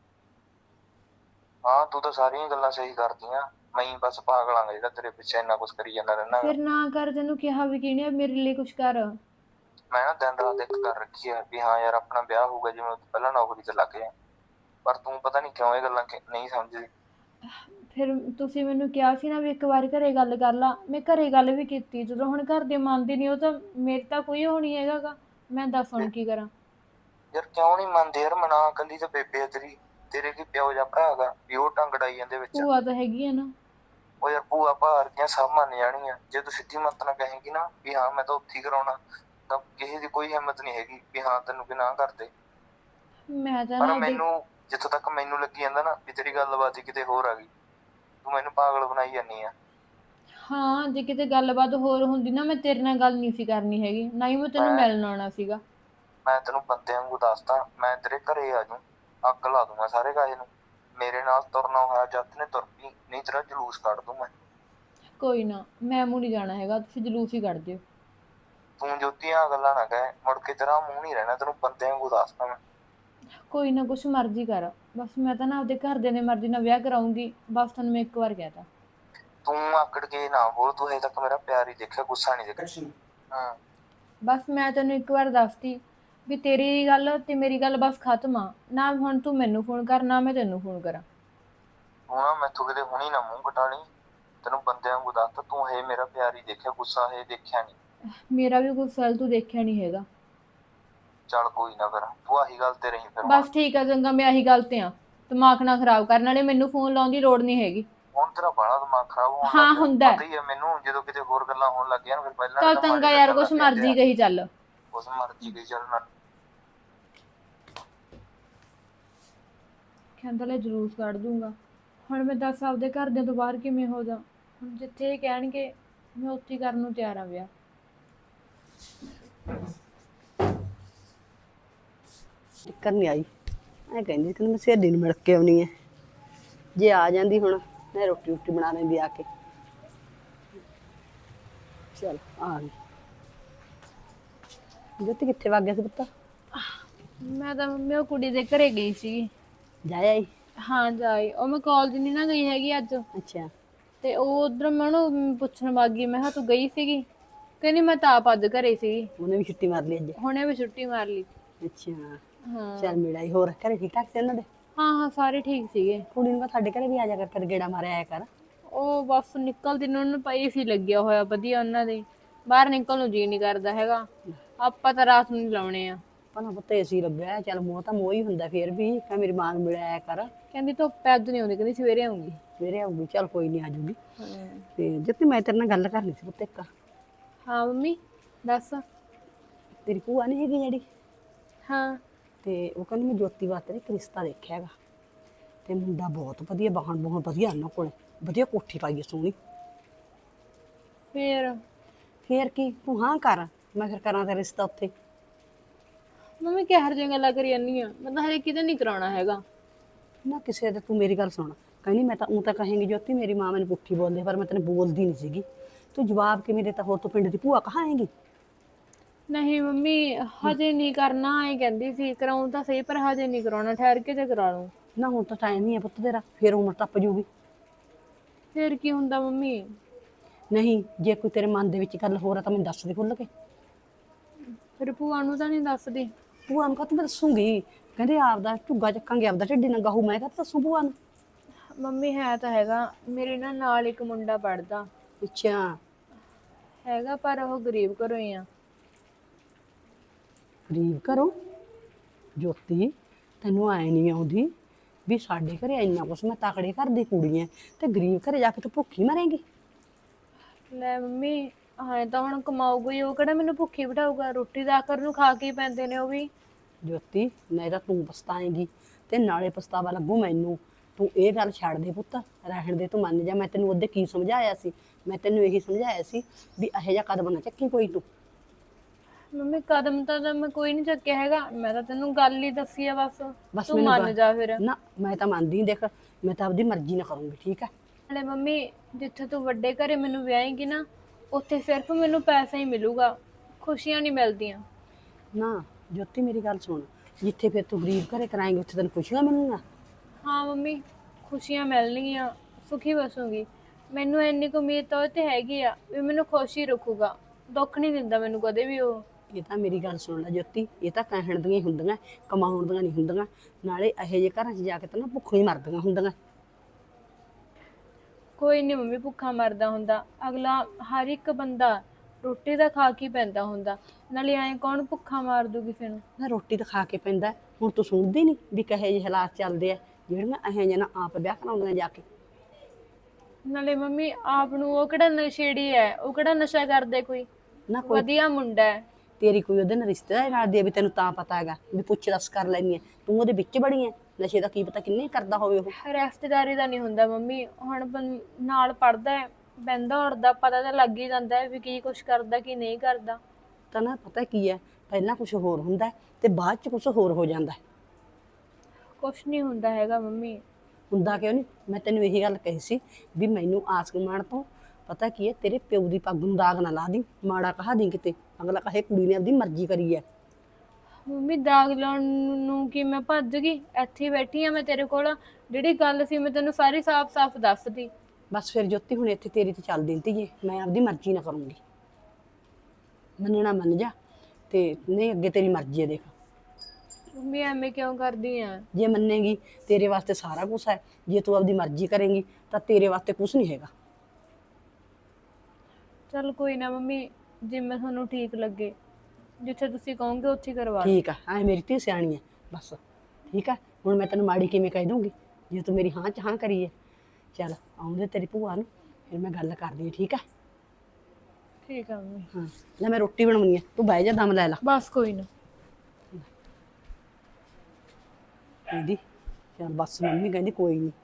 [SPEAKER 2] ਹਾਂ ਤੂੰ ਤਾਂ ਸਾਰੀਆਂ ਗੱਲਾਂ ਸਹੀ ਕਰਦੀਆਂ, ਮੈਂ ਹੀ ਬਸ ਪਾਗਲਾਂਗਾ ਜਿਹੜਾ ਤੇਰੇ ਪਿੱਛੇ ਇੰਨਾ ਕੁਝ ਕਰੀ ਜਾਂਦਾ ਰਹਿਣਾ।
[SPEAKER 1] ਫਿਰ ਨਾ ਕਰ, ਤੈਨੂੰ ਕਿਹਾ ਵੀ ਕਿਹਨੇ ਆ ਮੇਰੇ ਲਈ ਕੁਝ ਕਰ।
[SPEAKER 2] ਮੈਂ ਨਾ ਦਿਨ ਰਾਤ ਇੱਕ ਕਰ ਰੱਖੀ ਆ ਵੀ ਹਾਂ ਯਾਰ ਆਪਣਾ ਵਿਆਹ ਹੋਊਗਾ ਜਿਵੇਂ ਪਹਿਲਾਂ ਨੌਕਰੀ ਤੇ ਲੱਗ ਜਾ, ਪਰ ਤੂੰ ਪਤਾ ਨਹੀਂ ਕਿਉਂ ਇਹ ਗੱਲਾਂ ਨਹੀਂ ਸਮਝਦੀ।
[SPEAKER 1] ਫਿਰ ਤੁਸੀਂ ਮੈਨੂੰ ਕਿਹਾ ਸੀ ਨਾ ਵੀ ਇੱਕ ਵਾਰ ਘਰੇ ਗੱਲ ਕਰ ਲਾ, ਮੈਂ ਘਰੇ ਗੱਲ ਵੀ ਕੀਤੀ, ਜਦੋਂ ਹੁਣ ਘਰ ਦੇ ਮੰਨਦੇ ਨਹੀਂ ਉਹ ਤਾਂ ਮੇਰੇ ਤਾਂ ਕੋਈ ਉਹ ਨਹੀਂ ਹੈਗਾ ਗਾ, ਮੈਂ ਦੱਸ ਹੁਣ ਕੀ ਕਰਾਂ।
[SPEAKER 2] ਯਾਰ ਕਿਉਂ ਨਹੀਂ ਮੰਨਦੇ ਯਾਰ, ਮਨਾ ਕੱਲੀ ਤਾਂ ਬੇਬੇ ਆ ਤੇਰੀ, ਤੇਰੇ ਕੀ ਪਿਓ ਜਾਂ ਭਰਾ ਹੈਗਾ ਵੀ ਉਹ ਟੰਗ ਡਾਈ ਜਾਂਦੇ ਵਿੱਚ?
[SPEAKER 1] ਭੂਆ ਤਾਂ ਹੈਗੀ ਆ ਨਾ।
[SPEAKER 2] ਉਹ ਯਾਰ ਭੂਆ ਭਾਰ ਦੀਆਂ ਸਭ ਮੰਨ ਜਾਣੀਆਂ, ਜੇ ਤੂੰ ਸਿੱਧੀ ਮੱਤ ਨਾਲ ਕਹੇਂਗੀ ਨਾ ਵੀ ਹਾਂ ਮੈਂ ਤਾਂ ਉੱਥੇ ਹੀ ਕਰਾਉਣਾ, ਤਾਂ ਕਿਸੇ ਦੀ ਕੋਈ ਹਿੰਮਤ ਨਹੀਂ ਹੈਗੀ ਵੀ ਹਾਂ ਤੈਨੂੰ ਕਿ ਨਾ ਕਰਦੇ।
[SPEAKER 1] ਮੈਂ ਤਾਂ
[SPEAKER 2] ਪਰ
[SPEAKER 1] ਨਾ ਆਪਦੇ
[SPEAKER 2] ਮੈਨੂੰ ਜਿੱਥੋਂ ਤੱਕ ਮੈਨੂੰ ਲੱਗੀ ਜਾਂਦਾ ਨਾ ਵੀ ਤੇਰੀ ਗੱਲਬਾਤ ਹੀ ਕਿਤੇ ਹੋਰ ਆ ਗਈ, ਤੂੰ ਮੈਨੂੰ ਪਾਗਲ ਬਣਾਈ ਜਾਂਦੀ ਆ।
[SPEAKER 1] ਹਾਂ ਜੇ ਕਿਤੇ ਗੱਲਬਾਤ ਹੋਰ ਹੁੰਦੀ ਨਾ ਮੈਂ ਤੇਰੇ ਨਾਲ ਗੱਲ ਨਹੀਂ ਸੀ ਕਰਨੀ ਹੈਗੀ, ਨਾ ਹੀ ਮੈਂ ਤੈਨੂੰ
[SPEAKER 2] ਮੈਂ
[SPEAKER 1] ਮਿਲਣ ਆਉਣਾ ਸੀਗਾ।
[SPEAKER 2] ਮੈਂ ਤੈਨੂੰ ਬੰਦਿਆਂ ਵਾਂਗੂ ਦੱਸਦਾ, ਮੈਂ ਤੇਰੇ ਘਰੇ ਆ ਜਾਊਂ, ਅੱਗ ਲਾ ਦੂੰਗਾ ਸਾਰੇ ਕਾਹੇ ਨੂੰ, ਮੇਰੇ ਨਾਲ ਤੁਰਨਾ ਹੋਇਆ ਜੱਤ ਨੇ ਤੁਰ ਪਈ, ਨਹੀਂ ਤੇਰਾ ਜਲੂਸ ਕੱਢ ਦੂੰ ਮੈਂ।
[SPEAKER 1] ਕੋਈ ਨਾ, ਮੈਂ ਮੂੰਹ ਨਹੀਂ ਜਾਣਾ ਹੈਗਾ, ਤੁਸੀਂ ਜਲੂਸ ਹੀ ਕੱਢ ਦਿਓ।
[SPEAKER 2] ਤੂੰ ਜੋਤੀਆਂ ਗੱਲਾਂ ਨਾ ਕਹਿ, ਮੁੜ ਕੇ ਤੇਰਾ ਮੂੰਹ ਨਹੀਂ ਰਹਿਣਾ, ਤੈਨੂੰ ਬੰਦਿਆਂ ਵਾਂਗੂ ਦੱਸਦਾ ਮੈਂ।
[SPEAKER 1] ਕੋਈ ਨਾ ਕੁਛ ਮਰਜ਼ੀ ਕਰ, ਬਸ ਮੈਂ ਤਾਂ ਨਾ ਆਪਦੇ ਘਰਦਿਆਂ ਦੀ ਮਰਜ਼ੀ ਨਾਲ ਵਿਆਹ ਕਰਾਉਂਗੀ, ਬਸ ਤੁਹਾਨੂੰ ਮੈਂ ਇੱਕ ਵਾਰ ਕਹਿਤਾ।
[SPEAKER 2] ਤੂੰ ਆਕੜ ਕੇ ਨਾ ਬੋਲ, ਤੂੰ ਹਜੇ ਤੱਕ ਮੇਰਾ ਪਿਆਰ ਹੀ ਦੇਖਿਆ, ਗੁੱਸਾ ਨਹੀਂ ਦੇਖਿਆ। ਹਾਂ
[SPEAKER 1] ਬਸ ਮੈਂ ਤੈਨੂੰ ਇੱਕ ਵਾਰ ਦੱਸਤੀ ਵੀ ਤੇਰੀ ਗੱਲ ਤੇ ਮੇਰੀ ਗੱਲ ਬਸ ਖਤਮ ਆ, ਨਾ ਹੁਣ ਤੂੰ ਮੈਨੂੰ ਫੋਨ ਕਰ ਨਾ ਮੈਂ ਤੈਨੂੰ ਫੋਨ ਕਰਾਂ।
[SPEAKER 2] ਤੂੰ ਨਾ ਮੈਥੋਂ ਕਿਤੇ ਹੁਣੀ ਨਾ ਮੂੰਹ ਕਟਾ ਲਈ, ਤੈਨੂੰ ਬੰਦਿਆਂ ਵਾਂਗੂ ਦੱਸਦਾ, ਤੂੰ ਹਜੇ ਮੇਰਾ ਪਿਆਰ ਹੀ ਦੇਖਿਆ, ਗੁੱਸਾ ਹਜੇ ਦੇਖਿਆ ਨਹੀਂ।
[SPEAKER 1] ਮੇਰਾ ਵੀ ਗੁੱਸਾ ਤੂੰ ਦੇਖਿਆ ਨਹੀਂ ਹੈਗਾ।
[SPEAKER 2] ਚੱਲ ਕੋਈ ਨਾ, ਫਿਰ ਤੂੰ ਆਹੀ ਗੱਲ ਤੇ ਰਹੀ ਫਿਰ।
[SPEAKER 1] ਬਸ ਠੀਕ ਆ ਚੰਗਾ, ਮੈਂ ਆਹੀ ਗੱਲ ਤੇ ਆ, ਦਿਮਾਗ ਨਾ ਖਰਾਬ ਕਰਨ ਵਾਲੇ, ਮੈਨੂੰ ਫੋਨ ਲਾਉਣ ਦੀ ਲੋੜ ਨਹੀਂ ਹੈਗੀ।
[SPEAKER 2] ਹੁਣ ਤੇਰਾ ਬਾਹਲਾ ਦਿਮਾਗ ਖਰਾਬ ਹੋਣ
[SPEAKER 1] ਹਾਂ
[SPEAKER 2] ਲੱਗ
[SPEAKER 1] ਹੁੰਦਾ
[SPEAKER 2] ਗਿਆ, ਪਤਾ ਹੀ ਆ ਮੈਨੂੰ, ਜਦੋਂ ਕਿਤੇ ਹੋਰ ਗੱਲਾਂ ਹੋਣ ਲੱਗ ਗਿਆ ਫਿਰ ਪਹਿਲਾਂ
[SPEAKER 1] ਚੱਲ ਚੰਗਾ ਯਾਰ, ਕੁਛ ਮਰਜ਼ੀ ਕਹੀ ਚੱਲ।
[SPEAKER 2] ਕੁਛ ਮਰਜ਼ੀ ਕਹੀ ਚੱਲ ਨਾ।
[SPEAKER 1] ਕਹਿੰਦਾ ਲੈ ਜਲੂਸ ਕੱਢ ਦੂੰਗਾ, ਹੁਣ ਮੈਂ ਦੱਸ ਆਪਦੇ ਘਰਦਿਆਂ ਤੋਂ ਬਾਹਰ ਕਿਵੇਂ ਹੋ ਜਾ, ਹੁਣ ਜਿੱਥੇ ਇਹ ਕਹਿਣਗੇ ਮੈਂ ਉੱਥੇ ਹੀ ਕਰਨ ਨੂੰ ਤਿਆਰ ਆ ਵਿਆਹ।
[SPEAKER 3] ਦਿੱਕਤ ਨਹੀਂ ਆਈ, ਐ ਕਹਿੰਦੀ ਕਿ ਮੈਂ ਸਹੇਲੀ ਨੂੰ ਮਿਲ ਕੇ ਆਉਣੀ ਹੈ, ਜੇ ਆ ਜਾਂਦੀ ਹੁਣ ਮੈਂ ਰੋਟੀ ਰੋਟੀ ਬਣਾ ਲੈਂਦੀ ਆ ਕੇ। ਚਲ ਆ ਗਈ। ਜੋਤੀ ਕਿੱਥੇ ਵਗ ਗਿਆ ਸੀ ਪੁੱਤ?
[SPEAKER 1] ਮੈਂ ਤਾਂ ਮੰਮੀ ਉਹ ਕੁੜੀ ਦੇ ਘਰੇ ਗਈ ਸੀਗੀ।
[SPEAKER 3] ਜਾ ਆਈ?
[SPEAKER 1] ਹਾਂ ਜਾਈ, ਉਹ ਮੈਂ ਕਾਲਜ ਨਹੀਂ ਨਾ ਗਈ ਹੈਗੀ ਅੱਜ,
[SPEAKER 3] ਅੱਛਾ।
[SPEAKER 1] ਤੇ ਉਹ ਉਧਰ ਮੈਂ ਉਹਨੂੰ ਪੁੱਛਣ ਲੱਗ ਗਈ, ਮੈਂ ਕਿਹਾ ਤੂੰ ਗਈ ਸੀਗੀ? ਕਹਿੰਦੀ ਮੈਂ ਤਾਂ ਆਪ ਅੱਜ ਘਰੇ ਸੀਗੀ।
[SPEAKER 3] ਉਹਨੇ ਵੀ ਛੁੱਟੀ ਮਾਰ ਲਈ ਅੱਜ?
[SPEAKER 1] ਹੁਣੇ ਵੀ ਛੁੱਟੀ ਮਾਰ ਲਈ।
[SPEAKER 3] ਅੱਛਾ
[SPEAKER 1] ਹਾਂ
[SPEAKER 3] ਚੱਲ ਮਿਲਾਈ। ਹੋਰ ਘਰੇ ਠੀਕ ਠਾਕ ਸੀ ਉਹਨਾਂ ਦੇ?
[SPEAKER 1] ਹਾਂ ਹਾਂ ਸਾਰੇ ਠੀਕ ਸੀਗੇ।
[SPEAKER 3] ਕੁੜੀ ਨੂੰ ਸਾਡੇ ਘਰੇ ਵੀ ਆ ਜਾ ਕਰ, ਫਿਰ ਗੇੜਾ ਮਾਰਿਆ ਆਇਆ ਕਰ।
[SPEAKER 1] ਉਹ ਬਸ ਨਿਕਲਦੀ ਨੂੰ ਉਹਨੂੰ ਪਈ ਸੀ ਲੱਗਿਆ ਹੋਇਆ ਵਧੀਆ, ਉਹਨਾਂ ਦੇ ਬਾਹਰ ਨਿਕਲਣ ਨੂੰ ਜੀ ਨਹੀਂ ਕਰਦਾ ਹੈਗਾ, ਆਪਾਂ ਤਾਂ ਰਾਤ ਨੂੰ ਲਾਉਣੇ ਆ।
[SPEAKER 3] ਪਨਾ ਪੁੱਤ ਏਸੀ ਲੱਗਿਆ, ਚੱਲ ਮੋਹ ਤਾਂ ਮੋਹ ਹੀ ਹੁੰਦਾ, ਫੇਰ ਵੀ ਕਹ ਮੇਰੀ ਮਾਂ ਨੂੰ ਮਿਲਿਆ ਆਇਆ ਕਰ।
[SPEAKER 1] ਕਹਿੰਦੀ ਧੁੱਪ ਅੱਜ ਨਹੀਂ ਆਉਂਦੀ, ਕਹਿੰਦੀ ਸਵੇਰੇ ਆਉਂਗੀ।
[SPEAKER 3] ਸਵੇਰੇ ਆਊਗੀ? ਚੱਲ ਕੋਈ ਨਹੀਂ ਆ ਜੂਗੀ। ਤੇ ਜਿੱਤੇ ਮੈਂ ਤੇਰੇ ਨਾਲ ਗੱਲ ਕਰਨੀ ਸੀ ਪੁੱਤ ਇੱਕ।
[SPEAKER 1] ਹਾਂ ਮੰਮੀ ਦੱਸ।
[SPEAKER 3] ਤੇਰੀ ਭੂਆ ਨਹੀਂ ਹੈਗੀ ਜਿਹੜੀ?
[SPEAKER 1] ਹਾਂ।
[SPEAKER 3] ਤੇ ਉਹ ਕਹਿੰਦੀ ਮੈਂ ਜੋਤੀ ਵਾਸਤੇ ਇੱਕ ਰਿਸ਼ਤਾ ਦੇਖਿਆ ਹੈਗਾ, ਤੇ ਮੁੰਡਾ ਬਹੁਤ ਵਧੀਆ, ਬਾਹਣ ਬਹੁਤ ਵਧੀਆ ਉਹਨਾਂ ਕੋਲ, ਵਧੀਆ ਕੋਠੀ ਪਾਈ ਹੈ ਸੋਹਣੀ।
[SPEAKER 1] ਫੇਰ?
[SPEAKER 3] ਫੇਰ ਕੀ, ਤੂੰ ਹਾਂ ਕਰ, ਮੈਂ ਫਿਰ ਕਰਾਂ ਤੇ ਰਿਸ਼ਤਾ ਉੱਥੇ।
[SPEAKER 1] ਮੰਮੀ ਕਿਹੋ ਜਿਹੀਆਂ ਗੱਲਾਂ ਕਰੀ ਜਾਂਦੀ ਆ? ਮੈਂ ਤਾਂ ਹਰੇ ਕਿਤੇ ਨਹੀਂ ਕਰਾਉਣਾ ਹੈਗਾ।
[SPEAKER 3] ਨਾ ਕਿਸੇ ਦੇ, ਤੂੰ ਮੇਰੀ ਗੱਲ ਸੁਣ, ਕਹਿੰਦੀ ਮੈਂ ਤਾਂ ਉਹ ਤਾਂ ਕਹੇਂਗੀ ਜੋਤੀ ਮੇਰੀ ਮਾਂ ਮੈਨੂੰ ਪੁੱਠੀ ਬੋਲਦੀ, ਪਰ ਮੈਂ ਤੈਨੂੰ ਬੋਲਦੀ ਨਹੀਂ ਸੀਗੀ। ਤੂੰ ਜਵਾਬ ਕਿਵੇਂ ਦਿੱਤਾ? ਹੋਰ ਤੂੰ ਪਿੰਡ ਦੀ ਭੂਆ ਕਹਾਏਂਗੀ?
[SPEAKER 1] ਨਹੀਂ ਮੰਮੀ, ਹਜੇ ਨਹੀਂ ਕਰਨਾ ਐ ਕਹਿੰਦੀ ਸੀ। ਕਰਾਉਂ ਤਾਂ ਸਹੀ, ਪਰ ਹਜੇ ਨਹੀਂ ਕਰਾਉਣਾ, ਠਹਿਰ ਕੇ ਤੇ ਕਰਾ ਲੂੰ।
[SPEAKER 3] ਨਾ ਹੁਣ ਤਾਂ ਟਾਈਮ ਨਹੀਂ ਹੈ ਪੁੱਤ ਤੇਰਾ, ਫਿਰ ਉਮਰ ਟੱਪ ਜੂਗੀ।
[SPEAKER 1] ਫਿਰ ਕੀ ਹੁੰਦਾ ਮੰਮੀ?
[SPEAKER 3] ਨਹੀਂ, ਜੇ ਕੋਈ ਤੇਰੇ ਮਨ ਦੇ ਵਿੱਚ ਗੱਲ ਹੋਰ ਆ ਤਾਂ ਮੈਨੂੰ ਦੱਸ ਦੇ ਖੁੱਲ੍ਹ ਕੇ।
[SPEAKER 1] ਫਿਰ ਭੂਆ ਨੂੰ ਤਾਂ ਨਹੀਂ ਦੱਸਦੀ?
[SPEAKER 3] ਭੂਆ ਨੂੰ ਕਾ ਤੂੰ ਦੱਸੂਗੀ? ਕਹਿੰਦੇ ਆਪਦਾ ਝੁੱਗਾ ਚੱਕਾਂਗੇ, ਆਪਦਾ ਢਿੱਡੀ ਨੰਗਾ ਹੋਊ, ਮੈਂ ਕਾ ਦੱਸੂ ਭੂਆ ਨੂੰ?
[SPEAKER 1] ਮੰਮੀ ਹੈ ਤਾਂ ਹੈਗਾ, ਮੇਰੇ ਨਾਲ ਨਾਲ ਇੱਕ ਮੁੰਡਾ ਪੜਦਾ
[SPEAKER 3] ਅੱਛਾ,
[SPEAKER 1] ਹੈਗਾ, ਪਰ ਉਹ ਗਰੀਬ ਘਰੋਂ ਹੀ ਆ।
[SPEAKER 3] ਗਰੀਬ ਘਰੋਂ? ਜੋਤੀ, ਤੈਨੂੰ ਆਏ ਨਹੀਂ ਆਉਂਦੀ ਵੀ ਸਾਡੇ ਘਰੇ ਇੰਨਾ ਕੁਛ, ਮੈਂ ਤਕੜੇ ਘਰ ਦੀ ਕੁੜੀ ਐ ਤੇ ਗਰੀਬ ਘਰੇ ਜਾ ਕੇ ਤੂੰ ਭੁੱਖੀ ਮਰੇਂਗੀ?
[SPEAKER 1] ਲੈ ਮੰਮੀ, ਹਾਂ ਤਾਂ ਹੁਣ ਕਮਾਊਗਾ ਹੀ, ਉਹ ਕਿਹੜਾ ਮੈਨੂੰ ਭੁੱਖੀ ਬਿਠਾਊਗਾ? ਰੋਟੀ ਦਾ ਆਖਰ ਨੂੰ ਖਾ ਕੇ ਹੀ ਪੈਂਦੇ ਨੇ ਉਹ ਵੀ।
[SPEAKER 3] ਜੋਤੀ, ਨਹੀਂ ਤਾਂ ਤੂੰ ਪਛਤਾਏਂਗੀ ਤੇ ਨਾਲੇ ਪਛਤਾਵਾ ਲੱਗੂ ਮੈਨੂੰ। ਤੂੰ ਇਹ ਗੱਲ ਛੱਡ ਦੇ ਪੁੱਤ, ਰਹਿਣ ਦੇ, ਤੂੰ ਮੰਨ ਜਾ। ਮੈਂ ਤੈਨੂੰ ਉਹਦੇ ਕੀ ਸਮਝਾਇਆ ਸੀ? ਮੈਂ ਤੈਨੂੰ ਇਹੀ ਸਮਝਾਇਆ ਸੀ ਵੀ ਇਹੋ ਜਿਹਾ ਕਦਮ ਨਾ ਚੱਕੀ ਕੋਈ ਤੂੰ।
[SPEAKER 1] ਮੰਮੀ ਕਦਮ ਤਾਂ ਤਾਂ ਮੈਂ ਕੋਈ ਨਹੀਂ ਚੱਕਿਆ ਹੈਗਾ, ਮੈਂ ਤਾਂ ਤੈਨੂੰ ਗੱਲ ਹੀ ਦੱਸੀ ਆ ਬਸ।
[SPEAKER 3] ਬਸ
[SPEAKER 1] ਤੂੰ
[SPEAKER 3] ਮੈਨੂੰ
[SPEAKER 1] ਮੰਨ
[SPEAKER 3] ਗ-
[SPEAKER 1] ਜਾ ਫਿਰ।
[SPEAKER 3] ਨਾ, ਮੈਂ ਤਾਂ ਮੰਨਦੀ ਨੀ, ਦੇਖ ਮੈਂ ਤਾਂ ਆਪਦੀ ਮਰਜ਼ੀ ਨਾਲ ਕਰੂੰਗੀ, ਠੀਕ ਹੈ?
[SPEAKER 1] ਨਾਲੇ ਮੰਮੀ, ਜਿੱਥੇ ਤੂੰ ਵੱਡੇ ਘਰੇ ਮੈਨੂੰ ਵਿਆਹੇਂਗੀ ਨਾ, ਉੱਥੇ ਸਿਰਫ ਮੈਨੂੰ ਪੈਸਾ ਹੀ ਮਿਲੂਗਾ, ਖੁਸ਼ੀਆਂ ਨਹੀਂ ਮਿਲਦੀਆਂ।
[SPEAKER 3] ਨਾ ਜੋਤੀ, ਮੇਰੀ ਗੱਲ ਸੁਣ, ਜਿੱਥੇ ਫਿਰ ਤੂੰ ਗਰੀਬ ਘਰੇ ਕਰਾਏਂਗੀ ਉੱਥੇ ਤੈਨੂੰ ਖੁਸ਼ੀਆਂ ਮਿਲਣਗੀਆਂ।
[SPEAKER 1] ਹਾਂ ਮੰਮੀ, ਖੁਸ਼ੀਆਂ ਮਿਲਣਗੀਆਂ, ਸੁਖੀ ਵਸੂੰਗੀ। ਮੈਨੂੰ ਇੰਨੀ ਕੁ ਉਮੀਦ ਤਾਂ ਉਹ ਤੇ ਹੈਗੀ ਆ ਵੀ ਮੈਨੂੰ ਖੁਸ਼ ਹੀ ਰੱਖੂਗਾ, ਦੁੱਖ ਨਹੀਂ ਦਿੰਦਾ ਮੈਨੂੰ ਕਦੇ ਵੀ ਉਹ।
[SPEAKER 3] ਇਹ ਤਾਂ ਮੇਰੀ ਗੱਲ ਸੁਣ ਲੈ ਜੋਤੀ, ਇਹ ਤਾਂ ਕਹਿਣ ਦੀਆਂ ਹੀ ਹੁੰਦੀਆਂ, ਕਮਾਉਣ ਦੀਆਂ ਨਹੀਂ ਹੁੰਦੀਆਂ। ਨਾਲੇ ਇਹੋ ਜਿਹੇ ਘਰਾਂ 'ਚ ਜਾ ਕੇ ਤਾਂ ਨਾ ਭੁੱਖੋਂ ਹੀ ਮਰਦੀਆਂ ਹੁੰਦੀਆਂ।
[SPEAKER 1] ਕੋਈ ਨਹੀਂ ਮੰਮੀ ਭੁੱਖਾ ਮਰਦਾ ਹੁੰਦਾ, ਅਗਲਾ ਹਰ ਇੱਕ ਬੰਦਾ ਰੋਟੀ ਦਾ ਖਾ ਕੇ ਹੀ ਪੈਂਦਾ ਹੁੰਦਾ। ਨਾਲੇ ਐਂ ਕੌਣ ਭੁੱਖਾ ਮਾਰ ਦੂ ਕਿਸੇ ਨੂੰ?
[SPEAKER 3] ਨਾ ਰੋਟੀ ਤਾਂ ਖਾ ਕੇ ਪੈਂਦਾ। ਹੁਣ ਤੂੰ ਸੁਣਦੀ ਨਹੀਂ ਵੀ ਕਹੇ ਜਿਹੇ ਹਾਲਾਤ ਚੱਲਦੇ ਆ, ਜਿਹੜੀਆਂ ਇਹੋ ਜਿਹੀਆਂ ਨਾ ਆਪ ਵਿਆਹ ਕਰਾਉਂਦੀਆਂ ਜਾ ਕੇ।
[SPEAKER 1] ਨਾਲੇ ਮੰਮੀ, ਆਪ ਨੂੰ ਉਹ ਕਿਹੜਾ ਨਸ਼ੇੜੀ ਹੈ? ਉਹ ਕਿਹੜਾ ਨਸ਼ਾ ਕਰਦੇ? ਕੋਈ
[SPEAKER 3] ਨਾ ਕੋਈ
[SPEAKER 1] ਵਧੀਆ ਮੁੰਡਾ ਹੈ।
[SPEAKER 3] ਤੇਰੀ ਕੋਈ ਉਹਦੇ ਨਾਲ ਰਿਸ਼ਤੇਦਾਰ ਨਾਲ ਦੀ ਆ ਵੀ ਤੈਨੂੰ ਤਾਂ ਪਤਾ ਹੈਗਾ ਵੀ ਪੁੱਛ ਦੱਸ ਕਰ ਲੈਣੀ ਹੈ? ਤੂੰ ਉਹਦੇ ਵਿੱਚ ਬੜੀ ਹੈ, ਨਸ਼ੇ ਦਾ ਕੀ ਪਤਾ ਕਿੰਨੇ ਕਰਦਾ ਹੋਵੇ ਉਹ।
[SPEAKER 1] ਰਿਸ਼ਤੇਦਾਰੀ ਦਾ ਨਹੀਂ ਹੁੰਦਾ ਮੰਮੀ, ਹੁਣ ਬੰ- ਨਾਲ ਪੜਦਾ ਹੈ, ਬਹਿੰਦਾ ਉੱਠਦਾ, ਪਤਾ ਤਾਂ ਲੱਗ ਹੀ ਜਾਂਦਾ ਹੈ ਵੀ ਕੀ ਕੁਛ ਕਰਦਾ ਕੀ ਨਹੀਂ ਕਰਦਾ।
[SPEAKER 3] ਤਾਂ ਨਾ ਪਤਾ ਕੀ ਹੈ, ਪਹਿਲਾਂ ਕੁਝ ਹੋਰ ਹੁੰਦਾ ਹੈ ਤੇ ਬਾਅਦ 'ਚ ਕੁਝ ਹੋਰ ਹੋ ਜਾਂਦਾ ਹੈ।
[SPEAKER 1] ਕੁਛ ਨਹੀਂ ਹੁੰਦਾ ਹੈਗਾ ਮੰਮੀ।
[SPEAKER 3] ਹੁੰਦਾ ਕਿਉਂ ਨਹੀਂ? ਮੈਂ ਤੈਨੂੰ ਇਹੀ ਗੱਲ ਕਹੀ ਸੀ ਵੀ ਮੈਨੂੰ ਆਸ ਗੁਆਂਢ ਤੋਂ ਪਤਾ ਕੀ ਹੈ, ਤੇਰੇ ਪਿਓ ਦੀ ਪੱਗ ਨੂੰ ਦਾਗ ਨਾ ਲਾ ਦੀ, ਮਾੜਾ ਕਹਾ ਦੀ ਕਿਤੇ, ਅਗਲਾ ਕਹੇ ਕੁੜੀ ਨੇ ਆਪਦੀ ਮਰਜ਼ੀ ਕਰੀ ਹੈ।
[SPEAKER 1] ਮੰਮੀ ਦਾਗ ਲਾਉਣ ਨੂੰ ਕੀ ਮੈਂ ਭੱਜ ਗਈ? ਇੱਥੇ ਹੀ ਬੈਠੀ ਆ ਮੈਂ ਤੇਰੇ ਕੋਲ, ਜਿਹੜੀ ਗੱਲ ਸੀ ਮੈਂ ਤੈਨੂੰ ਸਾਰੀ ਸਾਫ਼-ਸਾਫ਼ ਦੱਸਦੀ।
[SPEAKER 3] ਬਸ ਫਿਰ ਜੋਤੀ, ਹੁਣ ਇੱਥੇ ਤੇਰੀ ਤੇ ਚੱਲਦੀ ਨੀ ਧੀਏ, ਮੈਂ ਆਪਦੀ ਮਰਜ਼ੀ ਨਾਲ ਕਰੂੰਗੀ। ਮੰਨਣਾ ਮੰਨ ਜਾ, ਤੇ ਨਹੀਂ ਅੱਗੇ ਤੇਰੀ ਮਰਜ਼ੀ ਹੈ। ਦੇਖ,
[SPEAKER 1] ਮੰਮੀ ਐਵੇਂ ਕਿਉਂ ਕਰਦੀ ਆ?
[SPEAKER 3] ਜੇ ਮੰਨੇਗੀ ਤੇਰੇ ਵਾਸਤੇ ਸਾਰਾ ਕੁਝ ਹੈ, ਜੇ ਤੂੰ ਆਪਦੀ ਮਰਜ਼ੀ ਕਰੇਂਗੀ ਤਾਂ ਤੇਰੇ ਵਾਸਤੇ ਕੁਝ ਨਹੀਂ ਹੈਗਾ।
[SPEAKER 1] ਚੱਲ ਕੋਈ ਨਾ ਮੰਮੀ, ਜਿਵੇਂ ਤੁਹਾਨੂੰ ਠੀਕ ਲੱਗੇ, ਜਿੱਥੇ ਤੁਸੀਂ ਕਹੋਗੇ ਉੱਥੇ ਹੀ ਕਰਵਾ ਲਓ।
[SPEAKER 3] ਠੀਕ ਆ, ਐ ਮੇਰੀ ਧੀ ਸਿਆਣੀ ਹੈ ਬਸ। ਠੀਕ ਆ, ਹੁਣ ਮੈਂ ਤੈਨੂੰ ਮਾੜੀ ਕਿਵੇਂ ਕਹਿ ਦੂੰਗੀ ਜੇ ਤੂੰ ਮੇਰੀ ਹਾਂ 'ਚ ਹਾਂ ਕਰੀ ਹੈ? ਚੱਲ ਆਉਂਦੇ ਤੇਰੀ ਭੂਆ ਨੂੰ, ਫਿਰ ਮੈਂ ਗੱਲ ਕਰਦੀ ਹਾਂ, ਠੀਕ ਆ?
[SPEAKER 1] ਠੀਕ ਆ ਮੰਮੀ।
[SPEAKER 3] ਹਾਂ, ਲੈ ਮੈਂ ਰੋਟੀ ਬਣਾਉਣੀ ਹੈ, ਤੂੰ ਬਹਿ ਜਾ, ਦਮ ਲੈ ਲਾ।
[SPEAKER 1] ਬਸ ਕੋਈ ਨਾ।
[SPEAKER 3] ਕਹਿੰਦੀ ਚੱਲ ਬਸ, ਮੰਮੀ ਕਹਿੰਦੀ ਕੋਈ ਨਹੀਂ।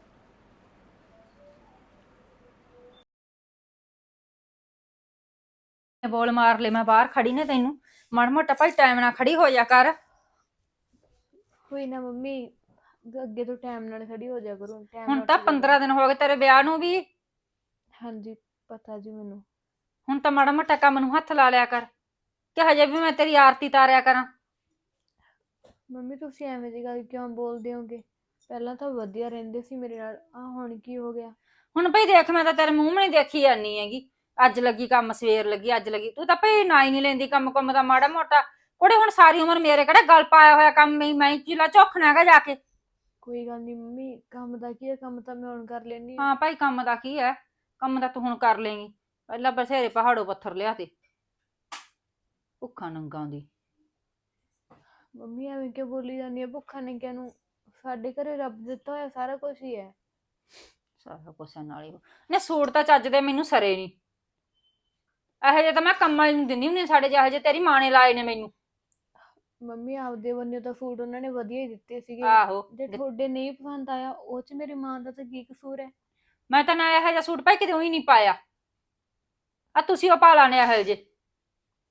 [SPEAKER 4] ਬੋਲ ਮਾਰ ਲੈ, ਮੈਂ ਬਾਹਰ ਖੜੀ ਨੇ, ਤੈਨੂੰ ਮਾੜਾ ਮੋਟਾ ਭਾਈ ਟਾਈਮ ਨਾਲ ਖੜੀ ਹੋ ਜਾ ਕਰ।
[SPEAKER 1] ਕੋਈ ਨਾ ਮੰਮੀ, ਅੱਗੇ ਅੱਗੇ ਤੋਂ ਟਾਈਮ ਨਾਲ ਖੜੀ ਹੋ ਜਾ ਕਰੋ, ਟਾਈਮ
[SPEAKER 4] ਹੁਣ
[SPEAKER 1] ਨਾਲ
[SPEAKER 4] ਤਾਂ
[SPEAKER 1] ਖੜੀ ਹੋ
[SPEAKER 4] ਪੰਦਰਾਂ ਦਿਨ ਹੋ ਗਏ ਤੇਰੇ ਵਿਆਹ ਨੂੰ ਵੀ।
[SPEAKER 1] ਹਾਂਜੀ ਪਤਾ ਜੀ ਮੈਨੂੰ।
[SPEAKER 4] ਹੁਣ ਤਾਂ ਮਾੜਾ ਮੋਟਾ ਕੰਮ ਨੂੰ ਹੱਥ ਲਾ ਲਿਆ ਕਰ, ਕਿ ਹਜੇ ਵੀ ਮੈਂ ਤੇਰੀ ਆਰਤੀ ਤਾਰਿਆ ਕਰਾਂ?
[SPEAKER 1] ਮੰਮੀ ਤੁਸੀਂ ਐਵੇਂ ਦੀ ਗੱਲ ਕਿਉਂ ਬੋਲਦੇ ਹੋਗੇ? ਪਹਿਲਾਂ ਤਾਂ ਵਧੀਆ ਰਹਿੰਦੇ ਸੀ ਮੇਰੇ ਨਾਲ, ਆ ਹੁਣ ਕੀ ਹੋ ਗਿਆ?
[SPEAKER 4] ਹੁਣ ਭਈ ਦੇਖ, ਮੈਂ ਤਾਂ ਤੇਰੇ ਮੂੰਹ ਨਹੀਂ ਦੇਖੀ ਜਾਨੀ ਹੈਗੀ, ਅੱਜ ਲੱਗੀ ਕੰਮ, ਸਵੇਰ ਲੱਗੀ, ਅੱਜ ਲੱਗੀ। ਤੂੰ ਤਾਂ ਭਈ ਨਾ ਹੀ ਨਹੀਂ ਲੈਂਦੀ ਕੰਮ ਕੰਮ ਦਾ ਮਾੜਾ ਮੋਟਾ। ਕੁੜੇ ਹੁਣ ਸਾਰੀ ਉਮਰ ਮੇਰੇ ਕਿਹੜਾ ਗਲ ਪਾਇਆ ਹੋਇਆ ਕੰਮ, ਮੈਂ ਮੈਂ ਚੀਲਾ ਝੋਖਣਾ ਹੈਗਾ ਜਾ ਕੇ।
[SPEAKER 1] ਕੋਈ ਗੱਲ ਨਹੀਂ ਮੰਮੀ, ਕੰਮ ਦਾ ਕੀ ਹੈ, ਕੰਮ ਤਾਂ ਮੈਂ ਹੁਣ ਕਰ ਲੈਣੀ।
[SPEAKER 4] ਹਾਂ ਭਾਈ, ਕੰਮ ਦਾ ਕੀ ਹੈ, ਕੰਮ ਦਾ ਤੂੰ ਹੁਣ ਕਰ ਲੇਂਗੀ। ਪਹਿਲਾਂ ਬਥੇਰੇ ਪਹਾੜੋਂ ਪੱਥਰ ਲਿਆ ਤੇ ਭੁੱਖਾ ਨੰਗਾ ਦੀ।
[SPEAKER 1] ਮੰਮੀ ਐਵੇਂ ਕਿਉਂ ਬੋਲੀ ਜਾਂਦੀ ਹੈ ਭੁੱਖਾ ਨੰਗਿਆਂ ਨੂੰ? ਸਾਡੇ ਘਰੇ ਰੱਬ ਦਿੱਤਾ ਹੋਇਆ ਸਾਰਾ ਕੁਝ ਹੀ ਹੈ।
[SPEAKER 4] ਸਾਰਾ ਕੁਛ ਨਾਲ ਹੀ ਨੇ। ਸੂਟ ਤਾਂ ਚੱਜ ਦੇ ਮੈਨੂੰ ਸਰੇ ਨਹੀਂ, ਇਹੋ ਜਿਹੇ ਤਾਂ ਮੈਂ ਕੰਮਾਂ ਨੂੰ ਦਿੰਦੀ ਹੁੰਦੀ ਸਾਡੇ, ਜਿਹੋ ਜਿਹੇ ਤੇਰੀ ਮਾਂ ਨੇ ਲਾਏ ਨੇ ਮੈਨੂੰ।
[SPEAKER 1] ਮੰਮੀ ਆਪਦੇ ਬੰਨੇ ਤਾਂ ਸੂਟ ਉਹਨਾਂ ਨੇ ਵਧੀਆ ਹੀ ਦਿੱਤੇ ਸੀਗੇ,
[SPEAKER 4] ਆਹੋ,
[SPEAKER 1] ਜੇ ਤੁਹਾਡੇ ਨਹੀਂ ਪਸੰਦ ਆਇਆ ਉਹ ਚ ਮੇਰੀ ਮਾਂ ਦਾ ਤਾਂ ਕੀ ਕਸੂਰ ਹੈ?
[SPEAKER 4] ਮੈਂ ਤਾਂ ਨਾ ਇਹੋ ਜਿਹਾ ਸੂਟ ਭਾਈ ਕਿਤੇ ਹੀ ਨਹੀਂ ਪਾਇਆ, ਆ ਤੁਸੀਂ ਉਹ ਪਾ ਲਾਣੇ ਇਹੋ ਜਿਹੇ।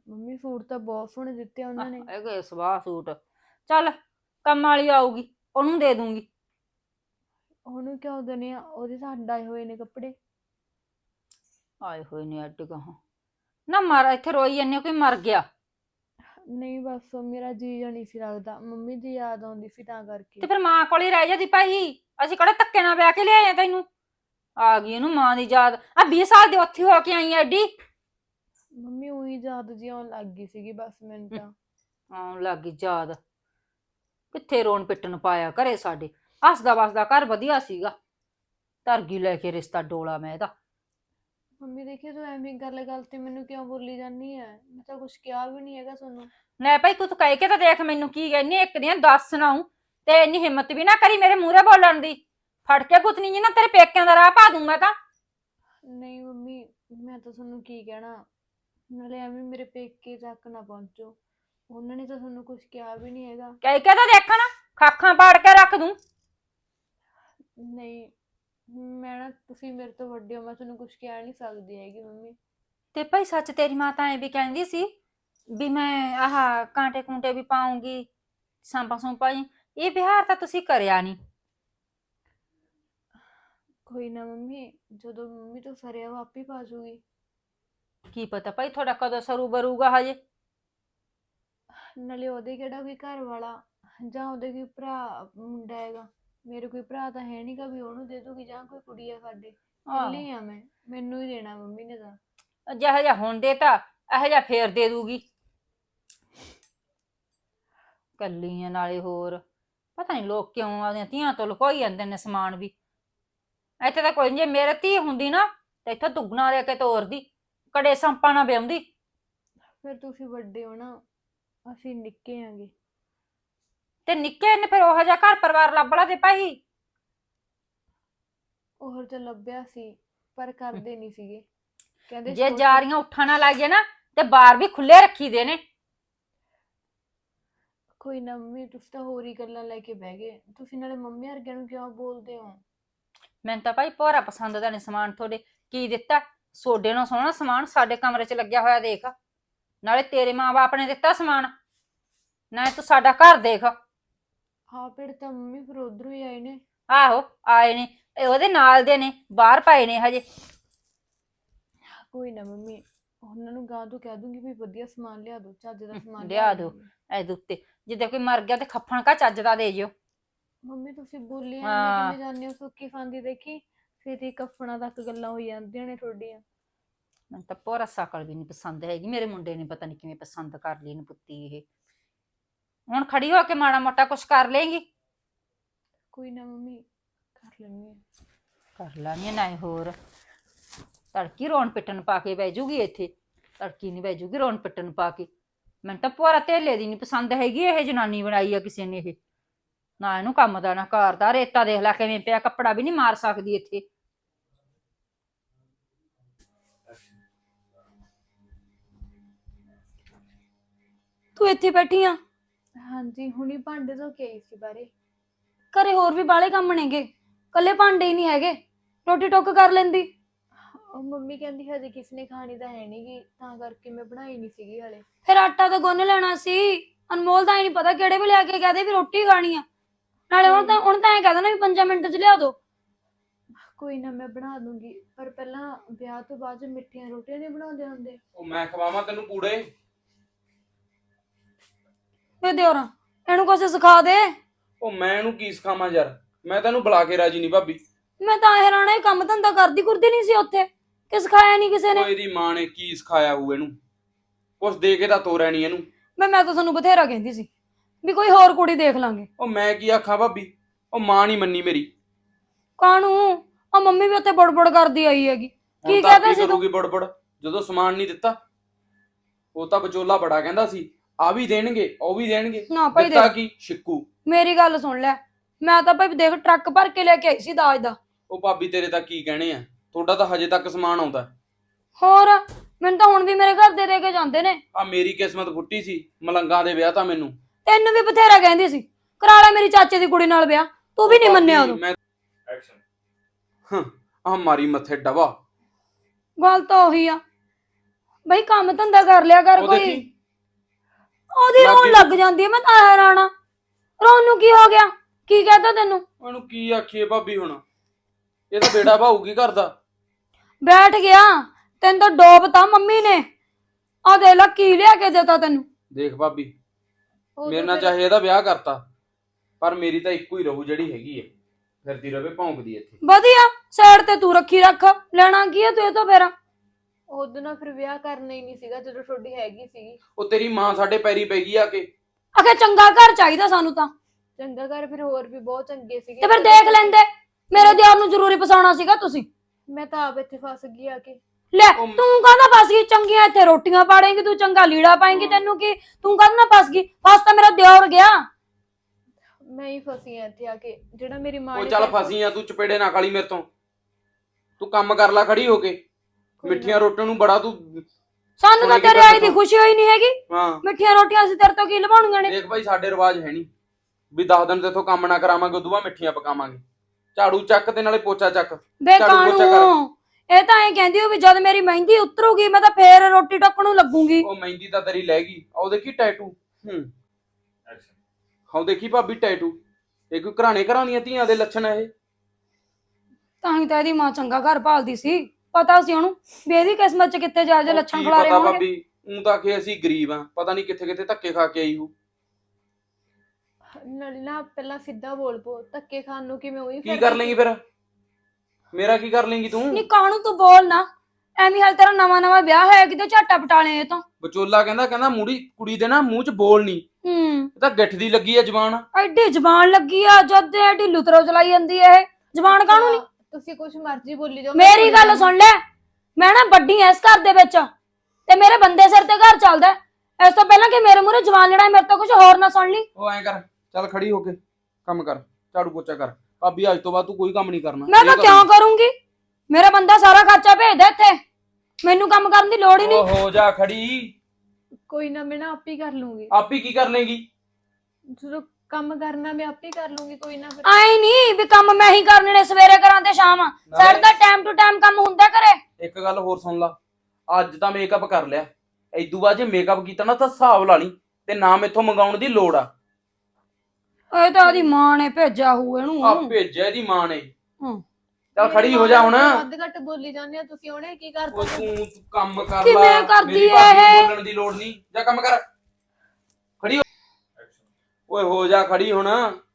[SPEAKER 1] ਮੰਮੀ ਸੂਟ ਤਾਂ ਬਹੁਤ ਸੋਹਣੇ ਦਿੱਤੇ ਆ ਉਹਨਾਂ ਨੇ।
[SPEAKER 4] ਇਹ ਗਏ ਸਵਾਹ ਸੂਟ। ਚੱਲ ਕੰਮ ਵਾਲੀ ਆਊਗੀ ਉਹਨੂੰ ਦੇ ਦੂੰਗੀ।
[SPEAKER 1] ਉਹਨੂੰ ਕਿਉਂ ਦੇਣੇ ਆ, ਉਹਦੇ ਤਾਂ ਹੱਡ ਆਏ ਹੋਏ ਨੇ ਕੱਪੜੇ।
[SPEAKER 4] ਆਏ ਹੋਏ ਨੇ ਅੱਡ ਗਾਹਾਂ ਨਾ ਮਰ ਇੱਥੇ ਰੋਈ ਜਾਂਦੇ ਕੋਈ ਮਰ ਗਿਆ।
[SPEAKER 1] ਨਹੀਂ ਬਸ ਮੇਰਾ ਜੀ ਜਾ ਨਹੀਂ ਸੀ ਲੱਗਦਾ, ਮੰਮੀ ਦੀ ਯਾਦ ਆਉਂਦੀ ਸੀ ਤਾਂ ਕਰਕੇ।
[SPEAKER 4] ਤੇ ਫਿਰ ਮਾਂ ਕੋਲ ਹੀ ਰਹਿ ਜਾਂਦੀ ਭਾਈ, ਅਸੀਂ ਕਿਹੜਾ ਧੱਕੇ ਨਾਲ ਵਿਆਹ ਕੇ ਲਿਆਏ ਆ ਤੈਨੂੰ। ਆ ਗਈ ਇਹਨੂੰ ਮਾਂ ਦੀ ਯਾਦ। ਆ ਵੀਹ ਸਾਲ ਦੇ ਉੱਥੇ ਹੋ ਕੇ ਆਈ ਐਡੀ।
[SPEAKER 1] ਮੰਮੀ ਉਹੀ ਯਾਦ ਜੀ ਆਉਣ ਲੱਗ ਗਈ ਸੀਗੀ ਬਸ ਮੈਨੂੰ ਤਾਂ।
[SPEAKER 4] ਆਉਣ ਲੱਗ ਗਈ ਯਾਦ। ਕਿੱਥੇ ਰੋਣ ਪਿੱਟਣ ਪਾਇਆ ਘਰੇ ਸਾਡੇ। ਹੱਸਦਾ ਵਸਦਾ ਘਰ ਵਧੀਆ ਸੀਗਾ। ਧਰਗੀ ਲੈ ਕੇ ਰਿਸ਼ਤਾ ਡੋਲਾ ਮੈਂ ਇਹਦਾ।
[SPEAKER 1] ਮੰਮੀ ਦੇਖੀ ਤੂੰ ਐਵੇਂ ਗੱਲ ਗੱਲ ਤੇ ਮੈਨੂੰ ਕਿਉਂ ਬੋਲੀ ਜਾਂਦੀ ਹੈ? ਮੈਂ ਤਾਂ ਕੁਝ ਕਿਹਾ ਵੀ ਨਹੀਂ ਹੈਗਾ ਤੁਹਾਨੂੰ।
[SPEAKER 4] ਲੈ ਭਾਈ ਤੂੰ ਕਹਿ ਕੇ ਤਾਂ ਦੇਖ ਮੈਨੂੰ ਕੀ ਕਹਿੰਦੀ। ਇੱਕ ਦੀਆਂ ਦਸ ਸੁਣਾਉ ਤੇ ਇੰਨੀ ਹਿੰਮਤ ਵੀ ਨਾ ਕਰੀ ਮੇਰੇ ਮੂਹਰੇ ਬੋਲਣ ਦੀ। ਫੜ ਕੇ ਗੁੱਤਨੀ ਜੀ ਨਾ ਤੇਰੇ ਪੇਕਿਆਂ ਦਾ ਰਾਹ ਪਾ ਦੂੰ ਮੈਂ ਤਾਂ।
[SPEAKER 1] ਨਹੀਂ ਮੰਮੀ ਮੈਂ ਤਾਂ ਤੁਹਾਨੂੰ ਕੀ ਕਹਿਣਾ, ਨਾਲੇ ਐਵੇਂ ਮੇਰੇ ਪੇਕੇ ਤੱਕ ਨਾ ਪਹੁੰਚੋ। ਉਹਨਾਂ ਨੇ ਤਾਂ ਤੁਹਾਨੂੰ ਕੁਝ ਕਿਹਾ ਵੀ ਨਹੀਂ ਹੈਗਾ।
[SPEAKER 4] ਕਹਿ ਕੇ ਤਾਂ ਦੇਖਣ ਖਾਖਾਂ ਪਾੜ ਕੇ ਰੱਖ ਦੂੰ।
[SPEAKER 1] ਨਹੀਂ ਮੈਂ ਨਾ, ਤੁਸੀਂ ਮੇਰੇ ਤੋਂ ਵੱਡੇ ਹੋ, ਮੈਂ ਤੁਹਾਨੂੰ ਕੁਝ ਕਹਿ ਨਹੀਂ ਸਕਦੀ ਹੈਗੀ ਮੰਮੀ।
[SPEAKER 4] ਤੇ ਭਾਈ ਸੱਚ ਤੇਰੀ ਮਾਂ ਤਾਂ ਐ ਵੀ ਕਹਿੰਦੀ ਸੀ ਵੀ ਮੈਂ ਆਹ ਕਾਂਟੇ ਕੁੰਟੇ ਵੀ ਪਾਉਂਗੀ, ਸਾਂਪਾ ਸੂੰਪਾ ਜੀ। ਇਹ ਬਿਹਾਰ ਤਾਂ ਤੁਸੀਂ ਕਰਿਆ ਨਹੀਂ।
[SPEAKER 1] ਕੋਈ ਨਾ ਮੰਮੀ, ਜਦੋਂ ਮੰਮੀ ਤੋਂ ਸਰਿਆ ਉਹ ਆਪੇ ਪਾ ਜੂਗੀ।
[SPEAKER 4] ਕੀ ਪਤਾ ਭਾਈ ਤੁਹਾਡਾ ਕਦੋਂ ਸਰੂ ਬਰੂਗਾ ਹਜੇ।
[SPEAKER 1] ਨਾਲੇ ਉਹਦੇ ਕਿਹੜਾ ਕੋਈ ਘਰ ਵਾਲਾ ਜਾਂ ਉਹਦੇ ਕੋਈ ਭਰਾ ਮੁੰਡਾ ਹੈਗਾ? ਮੇਰੇ ਕੋਈ ਭਰਾ ਤਾਂ ਹੈ ਨਹੀਂਗਾ ਵੀ ਉਹਨੂੰ ਦੇ ਦੂਗੀ, ਜਾਂ ਕੋਈ ਕੁੜੀ ਆ ਸਾਡੇ। ਇਕੱਲੀ ਆ ਮੈਂ, ਮੈਨੂੰ ਹੀ ਦੇਣਾ ਮੰਮੀ ਨੇ ਤਾਂ।
[SPEAKER 4] ਜਿਹੋ ਜਿਹਾ ਹੁਣ ਦੇ ਤਾਂ ਇਹੋ ਜਿਹਾ ਫੇਰ ਦੇ ਦੂਗੀ। ਕੱਲੀ ਆ ਨਾਲੇ ਹੋਰ ਪਤਾ ਨਹੀਂ ਲੋਕ ਕਿਉਂ ਆਦੀਆਂ ਧੀਆਂ ਤੋਂ ਲੁਕੋਈ ਜਾਂਦੇ ਨੇ ਸਮਾਨ ਵੀ। ਇੱਥੇ ਤਾਂ ਕੋਈ ਨੀ, ਜੇ ਮੇਰੇ ਧੀ ਹੁੰਦੀ ਨਾ ਤੇ ਇੱਥੇ ਦੁੱਗਣਾ ਦੇ ਕੇ ਤੋਰਦੀ, ਕੜੇ ਸੰਪਾਂ ਨਾ ਵਿਆਉਂਦੀ।
[SPEAKER 1] ਫਿਰ ਤੁਸੀਂ ਵੱਡੇ ਹੋ ਨਾ, ਅਸੀਂ ਨਿੱਕੇ ਆਂਗੇ।
[SPEAKER 4] ਤੇ ਨਿੱਕੇ ਨੇ ਫਿਰ ਉਹੋ ਜਿਹਾ ਘਰ ਪਰਿਵਾਰ ਲੱਭਣਾ ਤੇ ਭਾਈ।
[SPEAKER 1] ਉਹ ਤਾਂ ਲੱਭਿਆ ਸੀ ਪਰ ਕਰਦੇ ਨਹੀਂ ਸੀਗੇ, ਕਹਿੰਦੇ
[SPEAKER 4] ਜੇ
[SPEAKER 1] ਛੋਟੇ-
[SPEAKER 4] ਜਾਰੀਆਂ ਉੱਠਣ ਨਾ ਲੱਗ ਜੇ ਨਾ ਤੇ ਬਾਰ ਵੀ ਖੁੱਲੇ ਰੱਖੀ ਦੇ ਨੇ।
[SPEAKER 1] ਕੋਈ ਨਾ ਮੰਮੀ, ਤੁਸੀਂ ਤਾਂ ਹੋਰ ਹੀ ਗੱਲਾਂ ਲੈ ਕੇ ਬਹਿ ਗਏ। ਤੁਸੀਂ ਨਾਲੇ ਮੰਮੀ ਵਰਗਿਆਂ ਨੂੰ ਕਿਉਂ ਬੋਲਦੇ ਹੋ?
[SPEAKER 4] ਮੈਨੂੰ ਤਾਂ ਭਾਈ ਭੋਰਾ ਪਸੰਦ ਦਾ ਨੀ ਸਮਾਨ ਤੁਹਾਡੇ। ਕੀ ਦਿੱਤਾ ਸੋਡੇ ਨੂੰ ਸੋਹਣਾ ਸਮਾਨ ਸਾਡੇ ਕਮਰੇ 'ਚ ਲੱਗਿਆ ਹੋਇਆ ਦੇਖ। ਨਾਲੇ ਤੇਰੇ ਮਾਂ-ਬਾਪ ਨੇ ਦਿੱਤਾ ਸਮਾਨ, ਨਾਲੇ ਤੂੰ ਸਾਡਾ ਘਰ ਦੇਖ।
[SPEAKER 1] ਹਾਂ ਫਿਰ ਤਾਂ ਮੰਮੀ ਫਿਰ ਉਧਰੋਂ ਹੀ ਆਏ ਨੇ।
[SPEAKER 4] ਆਹੋ ਆਏ ਨੇ, ਇਹ ਉਹਦੇ ਨਾਲ ਦੇ ਨੇ, ਬਾਹਰ ਪਏ ਨੇ ਹਜੇ।
[SPEAKER 1] ਕੋਈ ਨਾ ਮੰਮੀ, ਉਹਨਾਂ ਨੂੰ ਗਾਂ ਤੋਂ ਕਹਿ ਦੂੰਗੀ ਵੀ ਵਧੀਆ ਸਮਾਨ ਲਿਆ ਦੋ, ਚੱਜ ਦਾ ਸਮਾਨ
[SPEAKER 4] ਲਿਆ ਦਿਓ। ਇਹਦੇ ਉੱਤੇ ਜਿੱਦੇ ਕੋਈ ਮਰ ਗਿਆ ਤੇ ਖੱਫਣ ਕਾ ਚੱਜ ਦਾ ਦੇ ਜਿਓ।
[SPEAKER 1] ਮੰਮੀ ਤੁਸੀਂ ਬੋਲੀ ਐਵੇਂ
[SPEAKER 4] ਹਾਂ।
[SPEAKER 1] ਕਿਵੇਂ ਜਾਂਦੇ ਹੋ? ਸੁੱਕੀ ਖਾਂਦੀ ਦੇਖੀ ਛੇਤੀ ਕਫਣਾ ਤੱਕ ਗੱਲਾਂ ਹੋਈ ਜਾਂਦੀਆਂ ਨੇ ਤੁਹਾਡੀਆਂ।
[SPEAKER 4] ਮੈਨੂੰ ਤਾਂ ਭੋਰਾ ਸ਼ਕਲ ਵੀ ਨਹੀਂ ਪਸੰਦ ਹੈਗੀ। ਮੇਰੇ ਮੁੰਡੇ ਨੇ ਪਤਾ ਨਹੀਂ ਕਿਵੇਂ ਪਸੰਦ ਕਰ ਲਈ ਨੇ ਪੁੱਤੀ ਇਹ। ਹੁਣ ਖੜੀ ਹੋ ਕੇ ਮਾੜਾ ਮੋਟਾ ਕੁਛ ਕਰ ਲੇਗੀ।
[SPEAKER 1] ਕੋਈ ਨਾ ਮੰਮੀ, ਕਰ ਲੈਣੀ ਆ।
[SPEAKER 4] ਕਰ ਲਾਂਗੇ ਨਾ ਹੋਰ। ਤੜਕੀ ਰੋਣ ਪਿੱਟਣ ਪਾ ਕੇ ਬਹਿ ਜੂਗੀ ਇੱਥੇ। ਤੜਕੀ ਨਹੀਂ ਬਹਿ ਜੂਗੀ ਰੋਣ ਪਿੱਟਣ ਪਾ ਕੇ। ਮੈਨੂੰ ਤਾਂ ਭੋਰਾ ਧੇਲੇ ਦੀ ਨਹੀਂ ਪਸੰਦ ਹੈਗੀ। ਇਹ ਜਨਾਨੀ ਬਣਾਈ ਆ ਕਿਸੇ ਨੇ ਇਹ, ਨਾ ਇਹਨੂੰ ਕੰਮ ਦਾ ਨਾ ਘਰ ਦਾ। ਰੇਤਾ ਦੇਖ ਲੈ ਕਿਵੇਂ ਪਿਆ, ਕੱਪੜਾ ਵੀ ਨਹੀਂ ਮਾਰ ਸਕਦੀ ਇੱਥੇ।
[SPEAKER 5] ਤੂੰ ਇੱਥੇ ਬੈਠੀ ਆ?
[SPEAKER 1] ਹਾਂਜੀ ਹੁਣੀ ਭਾਂਡੇ ਧੋ ਕੇ ਆਈ ਸੀ ਬਾਰੇ।
[SPEAKER 5] ਘਰੇ ਹੋਰ ਵੀ ਬਾਲੇ ਕੰਮ ਨੇਗੇ, ਕੱਲੇ ਭਾਂਡੇ ਹੀ ਨਹੀਂ ਹੈਗੇ। ਰੋਟੀ ਟੁੱਕ ਕਰ ਲੈਂਦੀ।
[SPEAKER 1] ਉਹ ਮੰਮੀ ਕਹਿੰਦੀ ਹਜੇ ਕਿਸ ਨੇ ਖਾਣੀ ਤਾਂ ਹੈ ਨਹੀਂਗੀ, ਤਾਂ ਕਰਕੇ ਮੈਂ ਬਣਾਈ ਨਹੀਂ ਸੀਗੀ ਹਲੇ।
[SPEAKER 5] ਫਿਰ ਆਟਾ ਤਾਂ ਗੁੰਨ ਲੈਣਾ ਸੀ। ਅਨਮੋਲ ਤਾਂ ਹੀ ਨਹੀਂ ਪਤਾ ਕਿਹੜੇ ਵੇਲੇ ਆ ਕੇ ਕਹਦੇ ਵੀ ਰੋਟੀ ਖਾਣੀ ਆ। ਨਾਲੇ ਹੁਣ ਤਾਂ ਹੁਣ ਤਾਂ ਐ ਕਹਿ ਦੇਣਾ ਵੀ ਪੰਜਾਂ ਮਿੰਟ ਚ ਲਿਆ ਦੋ।
[SPEAKER 1] ਕੋਈ ਨਾ ਮੈਂ ਬਣਾ ਦੂੰਗੀ, ਪਰ ਪਹਿਲਾਂ ਵਿਆਹ ਤੋਂ ਬਾਅਦ ਮਿੱਠੀਆਂ ਰੋਟੀਆਂ ਨਹੀਂ ਬਣਾਉਂਦੇ ਹੁੰਦੇ।
[SPEAKER 2] ਉਹ ਮੈਂ ਖਵਾਵਾਂ ਤੈਨੂੰ ਪੂੜੇ?
[SPEAKER 5] ਵੇ ਦਿਓਰਾ ਇਹਨੂੰ ਕੁਛ ਸਿਖਾ ਦੇ।
[SPEAKER 2] ਉਹ ਮੈਂ ਇਹਨੂੰ ਕੀ ਸਿਖਾਵਾਂ ਯਾਰ, ਮੈਂ ਤੈਨੂੰ ਬੁਲਾ ਕੇ ਰਾਜੀ ਨਹੀਂ ਭਾਬੀ।
[SPEAKER 5] ਮੈਂ ਤਾਂ ਹੈਰਾਨਾ ਇਹ ਕੰਮ ਧੰਦਾ ਕਰਦੀ ਕੁਰਦੀ ਨਹੀਂ ਸੀ ਉੱਥੇ, ਕਿ ਸਿਖਾਇਆ ਨਹੀਂ ਕਿਸੇ ਨੇ।
[SPEAKER 2] ਉਹ ਇਹਦੀ ਮਾਂ ਨੇ ਕੀ ਸਿਖਾਇਆ ਹੋਊ ਇਹਨੂੰ? ਕੁਛ ਦੇ ਕੇ ਤਾਂ ਤੋਰਿਆ ਨਹੀਂ ਇਹਨੂੰ।
[SPEAKER 5] ਮੈਂ ਮੈਂ ਤਾਂ ਤੁਹਾਨੂੰ ਬਥੇਰਾ ਕਹਿੰਦੀ ਸੀ ਵੀ ਕੋਈ ਹੋਰ ਕੁੜੀ ਦੇਖ ਲਾਂਗੇ।
[SPEAKER 2] ਉਹ ਮੈਂ ਕੀ ਆਖਾਂ ਭਾਬੀ, ਉਹ ਮਾਂ ਨਹੀਂ ਮੰਨੀ ਮੇਰੀ।
[SPEAKER 5] ਕਾਹਨੂੰ? ਆ ਮੰਮੀ ਵੀ ਉੱਥੇ ਬੜਬੜ ਕਰਦੀ ਆਈ ਹੈਗੀ। ਕੀ
[SPEAKER 2] ਹੁਣ ਤਾਂ
[SPEAKER 5] ਕਹਦਾ
[SPEAKER 2] ਕੀ
[SPEAKER 5] ਸੀ ਤੂੰ?
[SPEAKER 2] ਕਰੂਗੀ ਬੜਬੜ, ਜਦੋਂ ਸਮਾਨ ਨਹੀਂ ਦਿੱਤਾ। ਉਹ ਤਾਂ ਵਿਚੋਲਾ ਬੜਾ ਕਹਿੰਦਾ ਸੀ ਆ ਵੀ ਦੇਣਗੇ ਉਹ ਵੀ ਦੇਣਗੇ,
[SPEAKER 5] ਨਾ ਭਾਈ
[SPEAKER 2] ਦਿੱਤਾ
[SPEAKER 5] ਦੇਖ
[SPEAKER 2] ਕੀ? ਸ਼ਿੱਕੂ।
[SPEAKER 5] ਮੇਰੀ ਗੱਲ ਸੁਣ ਲੈ, ਮੈਂ ਤਾਂ ਭਾਈ ਦੇਖ ਟਰੱਕ ਭਰ ਕੇ ਲੈ ਕੇ ਆਈ ਸੀ ਦਾਜ ਦਾ।
[SPEAKER 2] ਉਹ ਭਾਬੀ ਤੇਰੇ ਤਾਂ ਕੀ ਕਹਿਣੇ ਆ, ਤੁਹਾਡਾ ਤਾਂ ਹਜੇ ਤੱਕ ਸਮਾਨ ਆਉਂਦਾ।
[SPEAKER 5] ਹੋਰ ਮੈਨੂੰ ਤਾਂ ਹੁਣ ਵੀ ਮੇਰੇ ਘਰ ਦੇ ਦੇ ਕੇ ਜਾਂਦੇ ਨੇ।
[SPEAKER 2] ਆ ਮੇਰੀ ਕਿਸਮਤ ਫੁੱਟੀ ਸੀ, ਮਲੰਗਾ ਦੇ ਵਿਆਹ ਤਾਂ ਮੈਨੂੰ।
[SPEAKER 5] ਤੈਨੂੰ ਵੀ ਬਥੇਰਾ ਕਹਿੰਦੀ ਸੀ ਕਰਾ ਲੈ ਮੇਰੀ ਚਾਚੇ ਦੀ ਕੁੜੀ ਨਾਲ ਵਿਆਹ, ਤੂੰ ਵੀ ਨਹੀਂ ਮੰਨਿਆ ਉਦੋਂ।
[SPEAKER 2] ਮੈਂ ਐਕਸ਼ਨ ਹਾਂ ਆ ਮਾਰੀ ਮੱਥੇ ਡਵਾ।
[SPEAKER 5] ਗੱਲ ਤਾਂ ਉਹੀ ਆ, ਬਈ ਕੰਮ ਧੰਦਾ ਕਰ ਲਿਆ ਕਰ
[SPEAKER 6] ਉਹ
[SPEAKER 5] ਕੋਈ।
[SPEAKER 6] ਦੇਖੀ
[SPEAKER 5] ਉਹਦੀ
[SPEAKER 6] ਲੱਗ
[SPEAKER 5] ਰੋਣ
[SPEAKER 6] ਗਈ।
[SPEAKER 5] ਲੱਗ ਜਾਂਦੀ ਹੈ, ਮੈਂ ਤਾਂ ਹੈਰਾਨ ਆ। ਰੋਣ ਨੂੰ ਕੀ ਹੋ ਗਿਆ? ਕੀ ਕਹਤਾ ਤੈਨੂੰ?
[SPEAKER 6] ਉਹਨੂੰ ਕੀ ਆਖੀਏ ਭਾਬੀ ਹੁਣ, ਇਹ ਤਾਂ ਬੇੜਾ ਭਾਊਗੀ ਘਰ ਦਾ।
[SPEAKER 5] ਬੈਠ ਗਿਆ, ਤੈਨੂੰ ਤਾਂ ਡੋਬਤਾ ਮੰਮੀ ਨੇ। ਆ ਦੇ ਲੈ ਕੀ ਲਿਆ ਕੇ ਦਿੱਤਾ ਤੈਨੂੰ।
[SPEAKER 6] ਦੇਖ ਭਾਬੀ,
[SPEAKER 1] ਉਹ
[SPEAKER 6] ਮੇਰੇ
[SPEAKER 1] ਤਾਂ
[SPEAKER 6] ਨਾਲ
[SPEAKER 1] ਫਿਰ-
[SPEAKER 6] ਚਾਹੇ ਇਹਦਾ ਵਿਆਹ ਕਰਤਾ, ਪਰ ਮੇਰੀ ਤਾਂ ਇੱਕੋ ਹੀ ਰਹੂ ਜਿਹੜੀ ਹੈਗੀ ਹੈ, ਫਿਰਦੀ ਰਵੇ ਭੌਂਕਦੀ ਇੱਥੇ।
[SPEAKER 5] ਵਧੀਆ, ਸਾਈਡ ਤੇ ਤੂੰ ਰੱਖੀ ਰੱਖ, ਲੈਣਾ ਕੀ ਹੈ ਤੂੰ ਇਹ ਤੋਂ ਫੇਰ?
[SPEAKER 1] ਉਹਦੇ ਨਾਲ ਫਿਰ ਵਿਆਹ ਕਰਨਾ ਹੀ ਨਹੀਂ ਸੀਗਾ ਜਦੋਂ ਤੁਹਾਡੀ ਹੈਗੀ ਸੀਗੀ।
[SPEAKER 6] ਉਹ ਤੇਰੀ ਮਾਂ ਸਾਡੇ ਪੈਰੀ ਪੈ ਗਈ ਆ ਕੇ।
[SPEAKER 5] ਆਖੇ ਚੰਗਾ ਘਰ ਚਾਹੀਦਾ ਸਾਨੂੰ ਤਾਂ,
[SPEAKER 1] ਚੰਗਾ ਘਰ ਫਿਰ ਹੋਰ ਵੀ ਬਹੁਤ ਚੰਗੇ ਸੀਗੇ।
[SPEAKER 5] ਤੇ ਫਿਰ ਦੇਖ ਲੈਂਦੇ। ਮੇਰੇ ਦਿਓਰ ਨੂੰ ਜ਼ਰੂਰੀ ਫਸਾਉਣਾ ਸੀਗਾ ਤੁਸੀਂ।
[SPEAKER 1] ਮੈਂ ਤਾਂ ਆਪ ਇੱਥੇ ਫਸ ਗਈ ਆ ਕੇ।
[SPEAKER 5] ਲੈ
[SPEAKER 6] ਉਹ-
[SPEAKER 5] ਤੂੰ ਕਹਿੰਦਾ ਫਸ ਗਈ, ਚੰਗੀਆਂ ਇੱਥੇ ਰੋਟੀਆਂ ਪਾੜੇਂਗੀ ਤੂੰ, ਚੰਗਾ ਲੀੜਾ ਪਾਏਂਗੀ, ਤੈਨੂੰ ਕੀ? ਤੂੰ ਕਹਿੰਦਾ ਫਸ ਗਈ, ਫਸ ਤਾਂ ਮੇਰਾ ਦਿਓਰ ਗਿਆ।
[SPEAKER 1] ਮੈਂ ਹੀ ਫਸੀ ਆ ਇੱਥੇ ਆ ਕੇ, ਜਿਹੜਾ ਮੇਰੀ ਮਾਂ
[SPEAKER 6] ਉਹ
[SPEAKER 1] ਨੇ
[SPEAKER 6] ਚੱਲ
[SPEAKER 1] ਕਿਹਾ-
[SPEAKER 6] ਫਸੀ ਆ ਤੂੰ, ਚਪੇੜੇ ਨਾ ਖਾਲੀ ਮੇਰੇ ਤੋਂ। ਤੂੰ ਕੰਮ ਕਰ ਲੈ ਖੜੀ ਹੋ ਕੇ, ਮਿੱਠੀਆਂ ਰੋਟੀਆਂ ਨੂੰ ਬੜਾ ਤੂੰ।
[SPEAKER 5] ਸਾਨੂੰ ਤਾਂ
[SPEAKER 6] ਸੁਣ ਕੇ
[SPEAKER 5] ਤੇਰੇ
[SPEAKER 6] ਤਾਂ
[SPEAKER 5] ਆਈ ਦੀ
[SPEAKER 6] ਤੂੰ-
[SPEAKER 5] ਖੁਸ਼ੀ ਹੋਈ ਨਹੀਂ ਹੈਗੀ।
[SPEAKER 6] ਹਾਂ
[SPEAKER 5] ਮਿੱਠੀਆਂ ਰੋਟੀਆਂ ਅਸੀਂ ਤੇਰੇ ਤੋਂ ਕੀ ਲਵਾਉਣੀਆਂ ਨੇ?
[SPEAKER 6] ਦੇਖ ਭਾਈ, ਸਾਡੇ ਰਿਵਾਜ ਹੈ ਨਹੀਂ ਵੀ ਦਸ ਦਿਨ ਤੇਥੋਂ ਕੰਮ ਨਾ ਕਰਾਵਾਂਗੇ ਉਦੋਂ ਬਾਅਦ ਮਿੱਠੀਆਂ ਪਕਾਵਾਂਗੇ। ਝਾੜੂ ਚੱਕ ਤੇ ਨਾਲੇ ਪੋਚਾ ਚੱਕ।
[SPEAKER 5] ਬੇ
[SPEAKER 6] ਝਾੜੂ ਪੋਚਾ
[SPEAKER 5] ਕਾਣੂ, ਇਹ ਤਾਂ ਐਂ ਕਹਿੰਦੀ ਹੋ ਵੀ ਜਦ ਮੇਰੀ ਮਹਿੰਦੀ ਉਤਰੂਗੀ ਮੈਂ ਤਾਂ ਫੇਰ ਰੋਟੀ ਟੱਕਣ ਨੂੰ ਲੱਗੂਗੀ।
[SPEAKER 6] ਉਹ ਮਹਿੰਦੀ ਤਾਂ ਤੇਰੀ ਲੈ ਗਈ, ਆਹ ਦੇਖੀ ਟੈਟੂ। ਹੂੰ ਹਾਂ ਦੇਖੀ ਭਾਬੀ ਟੈਟੂ, ਇਹ ਕੋਈ ਘਰਾਣੇ ਘਰਾਣੀਆਂ ਧੀਆਂ ਦੇ ਲੱਛਣ ਆ ਇਹ।
[SPEAKER 5] ਤਾਂ ਹੀ ਤਾਂ ਇਹਦੀ ਮਾਂ ਚੰਗਾ ਘਰ ਭਾਲਦੀ ਸੀ। ਪਤਾ ਸੀ ਉਹਨੂੰ ਵੀ ਇਹਦੀ ਕਿਸਮਤ ਚ ਕਿੱਥੇ ਜਾ ਜਾ
[SPEAKER 6] ਉਹ
[SPEAKER 5] ਲੱਛਣ
[SPEAKER 6] ਕੀ
[SPEAKER 5] ਖਲਾਰੇ
[SPEAKER 6] ਪਤਾ
[SPEAKER 5] ਹੋਣਗੇ।
[SPEAKER 6] ਭਾਬੀ, ਊਂ ਤਾਂ ਕਿ ਅਸੀਂ ਗਰੀਬ ਆ, ਪਤਾ ਨਹੀਂ ਕਿੱਥੇ ਕਿੱਥੇ ਧੱਕੇ ਖਾ ਕੇ ਆਈ ਹੂ।
[SPEAKER 1] ਨਾਲੇ ਨਾ ਪਹਿਲਾਂ ਸਿੱਧਾ ਬੋਲ ਪੋ, ਧੱਕੇ ਖਾਣ ਨੂੰ ਕਿਵੇਂ ਹੋਈ?
[SPEAKER 6] ਕੀ ਕਰ ਲੇਂਗੀ ਫਿਰ? ਮੇਰਾ ਕੀ ਕਰ ਲੇਂਗੀ ਤੂੰ?
[SPEAKER 5] ਨਹੀਂ ਕਾਣੂ ਤੂੰ ਬੋਲ ਨਾ ਐਵੇਂ, ਹਾਲ ਤੇਰਾ ਨਵਾਂ ਨਵਾਂ ਵਿਆਹ ਹੋਇਆ, ਕਿਤੇ ਝਾਟਾ ਪਟਾਲੇ ਇਹ ਤਾਂ।
[SPEAKER 6] ਵਿਚੋਲਾ ਕਹਿੰਦਾ ਕਹਿੰਦਾ ਮੁੜੀ ਕੁੜੀ ਦੇ ਨਾ ਮੂੰਹ 'ਚ ਬੋਲ ਨਹੀਂ,
[SPEAKER 5] ਹੂੰ
[SPEAKER 6] ਇਹ ਤਾਂ ਗਿੱਠ ਦੀ ਲੱਗੀ ਆ ਜ਼ਬਾਨ।
[SPEAKER 5] ਐਡੀ ਜ਼ਬਾਨ ਲੱਗੀ ਆ, ਜਦ ਐਡੀ ਲੁਤਰੋ ਚਲਾਈ ਜਾਂਦੀ ਐ ਇਹ। ਜ਼ਬਾਨ ਕਾਣੂ ਨਹੀਂ?
[SPEAKER 1] ਤੁਸੀਂ ਕੁਝ ਮਰਜ਼ੀ ਬੋਲੀ ਜਾਓ।
[SPEAKER 5] ਮੇਰੀ ਗੱਲ ਸੁਣ ਲੈ, ਮੈਂ ਨਾ ਵੱਡੀ ਐ ਇਸ ਘਰ ਦੇ ਵਿੱਚ, ਤੇ ਮੇਰੇ ਬੰਦੇ ਸਿਰ ਤੇ ਘਰ ਚੱਲਦਾ। ਇਸ ਤੋਂ ਪਹਿਲਾਂ ਕਿ ਮੇਰੇ ਮੂਹਰੇ ਜਵਾਨ ਲੜਾਈ, ਮੇਰੇ ਤੋਂ ਕੁਝ ਹੋਰ ਨਾ ਸੁਣ ਲਈ।
[SPEAKER 6] ਉਹ ਐਂ ਕਰ, ਚੱਲ ਖੜੀ ਹੋ ਕੇ ਕੰਮ ਕਰ, ਝਾੜੂ ਪੋਚਾ ਕਰ। ਭਾਬੀ ਅੱਜ ਤੋਂ ਬਾਅਦ ਤੂੰ ਕੋਈ ਕੰਮ ਨਹੀਂ ਕਰਨਾ।
[SPEAKER 5] ਮੈਂ ਤਾਂ
[SPEAKER 6] ਇਹ
[SPEAKER 5] ਕਿਉਂ ਕਰੂੰਗੀ? ਮੇਰਾ ਬੰਦਾ ਸਾਰਾ ਖਰਚਾ ਭੇਜਦਾ ਇੱਥੇ, ਮੈਨੂੰ ਕੰਮ ਕਰਨ ਦੀ ਲੋੜ ਹੀ ਨਹੀਂ।
[SPEAKER 6] ਉਹ ਹੋ ਜਾ ਖੜੀ,
[SPEAKER 1] ਕੋਈ ਨਾ, ਮੈਂ ਨਾ ਆਪ ਹੀ ਕਰ ਲੂੰਗੀ।
[SPEAKER 6] ਆਪ ਹੀ ਕੀ ਕਰ ਲੇਂਗੀ?
[SPEAKER 1] ਜਦੋਂ ਕੰਮ ਕਰਨਾ ਮੈਂ ਆਪ ਹੀ ਕਰ ਲੂੰਗੀ, ਕੋਈ ਨਾ। ਫਿਰ
[SPEAKER 5] ਆਏ ਨਹੀਂ ਵੀ ਕੰਮ ਮੈਂ ਹੀ ਕਰਨੇ ਨੇ, ਸਵੇਰੇ ਕਰਾਂ ਤੇ ਸ਼ਾਮ। ਸਾਡਾ ਤਾਂ ਟਾਈਮ ਟੂ ਟਾਈਮ ਕੰਮ ਹੁੰਦਾ ਘਰੇ।
[SPEAKER 6] ਇੱਕ ਗੱਲ ਹੋਰ ਸੁਣ ਲਾ, ਅੱਜ ਤਾਂ ਮੇਕਅਪ ਕਰ ਲਿਆ, ਇਦੋਂ ਬਾਅਦ ਜੇ ਮੇਕਅਪ ਕੀਤਾ ਨਾ ਤਾਂ ਹਿਸਾਬ ਲਾ ਲਈ, ਤੇ ਨਾ ਮੈਥੋਂ ਮੰਗਾਉਣ ਦੀ ਲੋੜ ਆ।
[SPEAKER 5] ਇਹ ਤਾਂ ਉਹਦੀ ਮਾਂ ਨੇ ਭੇਜਿਆ ਹੋਊ
[SPEAKER 6] ਆ
[SPEAKER 5] ਇਹਨੂੰ।
[SPEAKER 6] ਭੇਜਿਆ ਇਹਦੀ ਮਾਂ ਨੇ।
[SPEAKER 5] ਹੂੰ।
[SPEAKER 6] ਚੱਲ ਖੜੀ ਹੋ ਜਾ ਹੁਣ।
[SPEAKER 1] ਵੱਧ ਘੱਟ ਬੋਲੀ ਜਾਂਦੇ ਆ ਤੁਸੀਂ, ਉਹਨੇ ਕੀ
[SPEAKER 6] ਉਹ
[SPEAKER 1] ਕਰਤਾ?
[SPEAKER 6] ਤੂੰ ਤੂੰ ਕੰਮ ਕਰ
[SPEAKER 5] ਕਿਵੇਂ
[SPEAKER 6] ਲੈ,
[SPEAKER 5] ਕਰਦੀ
[SPEAKER 6] ਮੇਰੀ
[SPEAKER 5] ਐ
[SPEAKER 6] ਭਾਬੀ ਨੂੰ
[SPEAKER 5] ਇਹ?
[SPEAKER 6] ਬੋਲਣ ਦੀ ਲੋੜ ਨਹੀਂ, ਜਾ ਕੰਮ ਕਰ, ਖੜੀ ਹੋ। ਓਏ ਹੋ ਜਾ ਖੜੀ ਹੁਣ।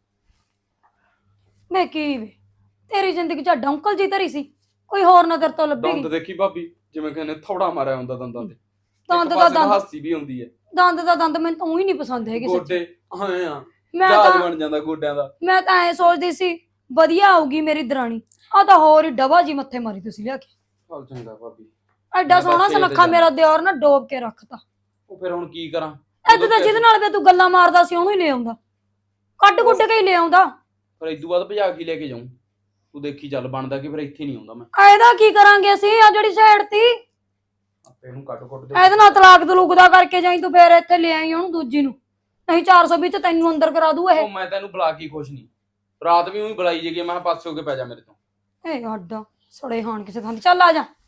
[SPEAKER 5] ਮੈਂ ਕੀ ਵੇ, ਤੇਰੀ ਜ਼ਿੰਦਗੀ ਚ ਡੌਂਕਲ ਜੀ ਧਰੀ ਸੀ, ਕੋਈ ਹੋਰ ਨਾ ਤੇਰੇ ਤੋਂ ਲੱਭੇਗੀ।
[SPEAKER 6] ਦੰਦ ਦੇਖੀ ਭਾਬੀ, ਜਿਵੇਂ ਕਹਿੰਦੇ ਥੋੜਾ ਮਾਰਿਆ ਹੁੰਦਾ ਦੰਦਾਂ ਤੇ।
[SPEAKER 5] ਦੰਦ
[SPEAKER 6] ਇੱਕ
[SPEAKER 5] ਦਾ
[SPEAKER 6] ਪਾਸੇ ਤਾਂ
[SPEAKER 5] ਦੰਦ,
[SPEAKER 6] ਹਾਸੀ ਵੀ ਹੁੰਦੀ ਹੈ।
[SPEAKER 5] ਦੰਦ ਦਾ ਦੰਦ ਮੈਨੂੰ ਤਾਂ ਊਂ ਹੀ ਨਹੀਂ ਪਸੰਦ ਹੈਗੇ ਸੱਚੀ।
[SPEAKER 6] ਗੋਡੇ ਆਏ ਆ,
[SPEAKER 5] ਮੈਂ
[SPEAKER 6] ਜਹਾਜ਼
[SPEAKER 5] ਤਾਂ
[SPEAKER 6] ਬਣ ਜਾਂਦਾ ਗੋਡਿਆਂ ਦਾ।
[SPEAKER 5] ਮੈਂ ਤਾਂ ਐ ਸੋਚਦੀ ਸੀ ਵਧੀਆ ਆਊਗੀ ਮੇਰੀ ਦਰਾਣੀ, ਆ ਤਾਂ ਹੋਰ ਹੀ ਡਬਾ ਜੀ ਮੱਥੇ ਮਾਰੀ ਤੁਸੀਂ ਲਿਆ ਕੇ।
[SPEAKER 6] ਚੱਲ ਚੰਗਾ ਭਾਬੀ।
[SPEAKER 5] ਐਡਾ
[SPEAKER 6] ਮੈਂ
[SPEAKER 5] ਸੋਹਣਾ
[SPEAKER 6] ਤਾਂ ਸੇਧ
[SPEAKER 5] ਸੁਨੱਖਾ
[SPEAKER 6] ਜਾ-
[SPEAKER 5] ਮੇਰਾ ਦਿਓਰ ਨਾ ਡੋਬ ਕੇ ਰੱਖਤਾ।
[SPEAKER 6] ਉਹ ਫਿਰ ਹੁਣ ਕੀ ਕਰਾਂ?
[SPEAKER 5] ਐਦਾਂ ਤਾਂ ਜਿਹਦੇ ਨਾਲ ਵੀ ਤੂੰ ਗੱਲਾਂ ਮਾਰਦਾ ਸੀ ਉਹਨੂੰ ਹੀ ਲੈ ਆਉਂਦਾ, ਕੱਢ ਕੁੱਟ ਕੇ ਹੀ ਲੈ ਆਉਂਦਾ।
[SPEAKER 6] ਫਿਰ ਇਦੋਂ ਬਾਅਦ ਭਜਾ ਕੇ ਲੈ ਕੇ ਜਾਊਂ, ਤੂੰ ਦੇਖੀ ਚੱਲ ਬਣਦਾ ਕਿ ਫਿਰ ਇੱਥੇ ਨਹੀਂ ਆਉਂਦਾ ਮੈਂ।
[SPEAKER 5] ਇਹਦਾ ਕੀ ਕਰਾਂਗੇ ਅਸੀਂ? ਆ ਜਿਹੜੀ ਸਾਈਡ ਤੀ
[SPEAKER 6] ਆਪੇ ਇਹਨੂੰ ਕੱਟ ਕੁੱਟ ਦੇ।
[SPEAKER 5] ਇਹਦੇ ਨਾਲ ਤਲਾਕ ਤਲੂਕ ਦਾ ਕਰਕੇ ਜਾਈ ਤੂੰ, ਫੇਰ ਇੱਥੇ ਲੈ ਆਈ ਉਹਨੂੰ ਦੂਜੀ ਨੂੰ, ਨਹੀਂ ਚਾਰ ਸੌ ਵਿੱਚ ਤੈਨੂੰ ਅੰਦਰ ਕਰਾ ਦੂ ਇਹ।
[SPEAKER 6] ਉਹ ਮੈਂ ਤੈਨੂੰ ਬੁਲਾ ਕੇ ਖੁਸ਼ ਨਹੀਂ, ਰਾਤ ਵੀ ਉਹੀ ਬੁਲਾਈ ਜੇਗੀ, ਮੈਂ ਕਿਹਾ ਪਾਸੇ ਹੋ ਕੇ ਪੈ ਜਾ ਮੇਰੇ ਤੋਂ।
[SPEAKER 5] ਏ ਅੱਡਾ ਸੜੇ ਹਾਣ ਕਿਸੇ ਥਾਂ ਤੇ, ਚੱਲ ਆ ਜਾ।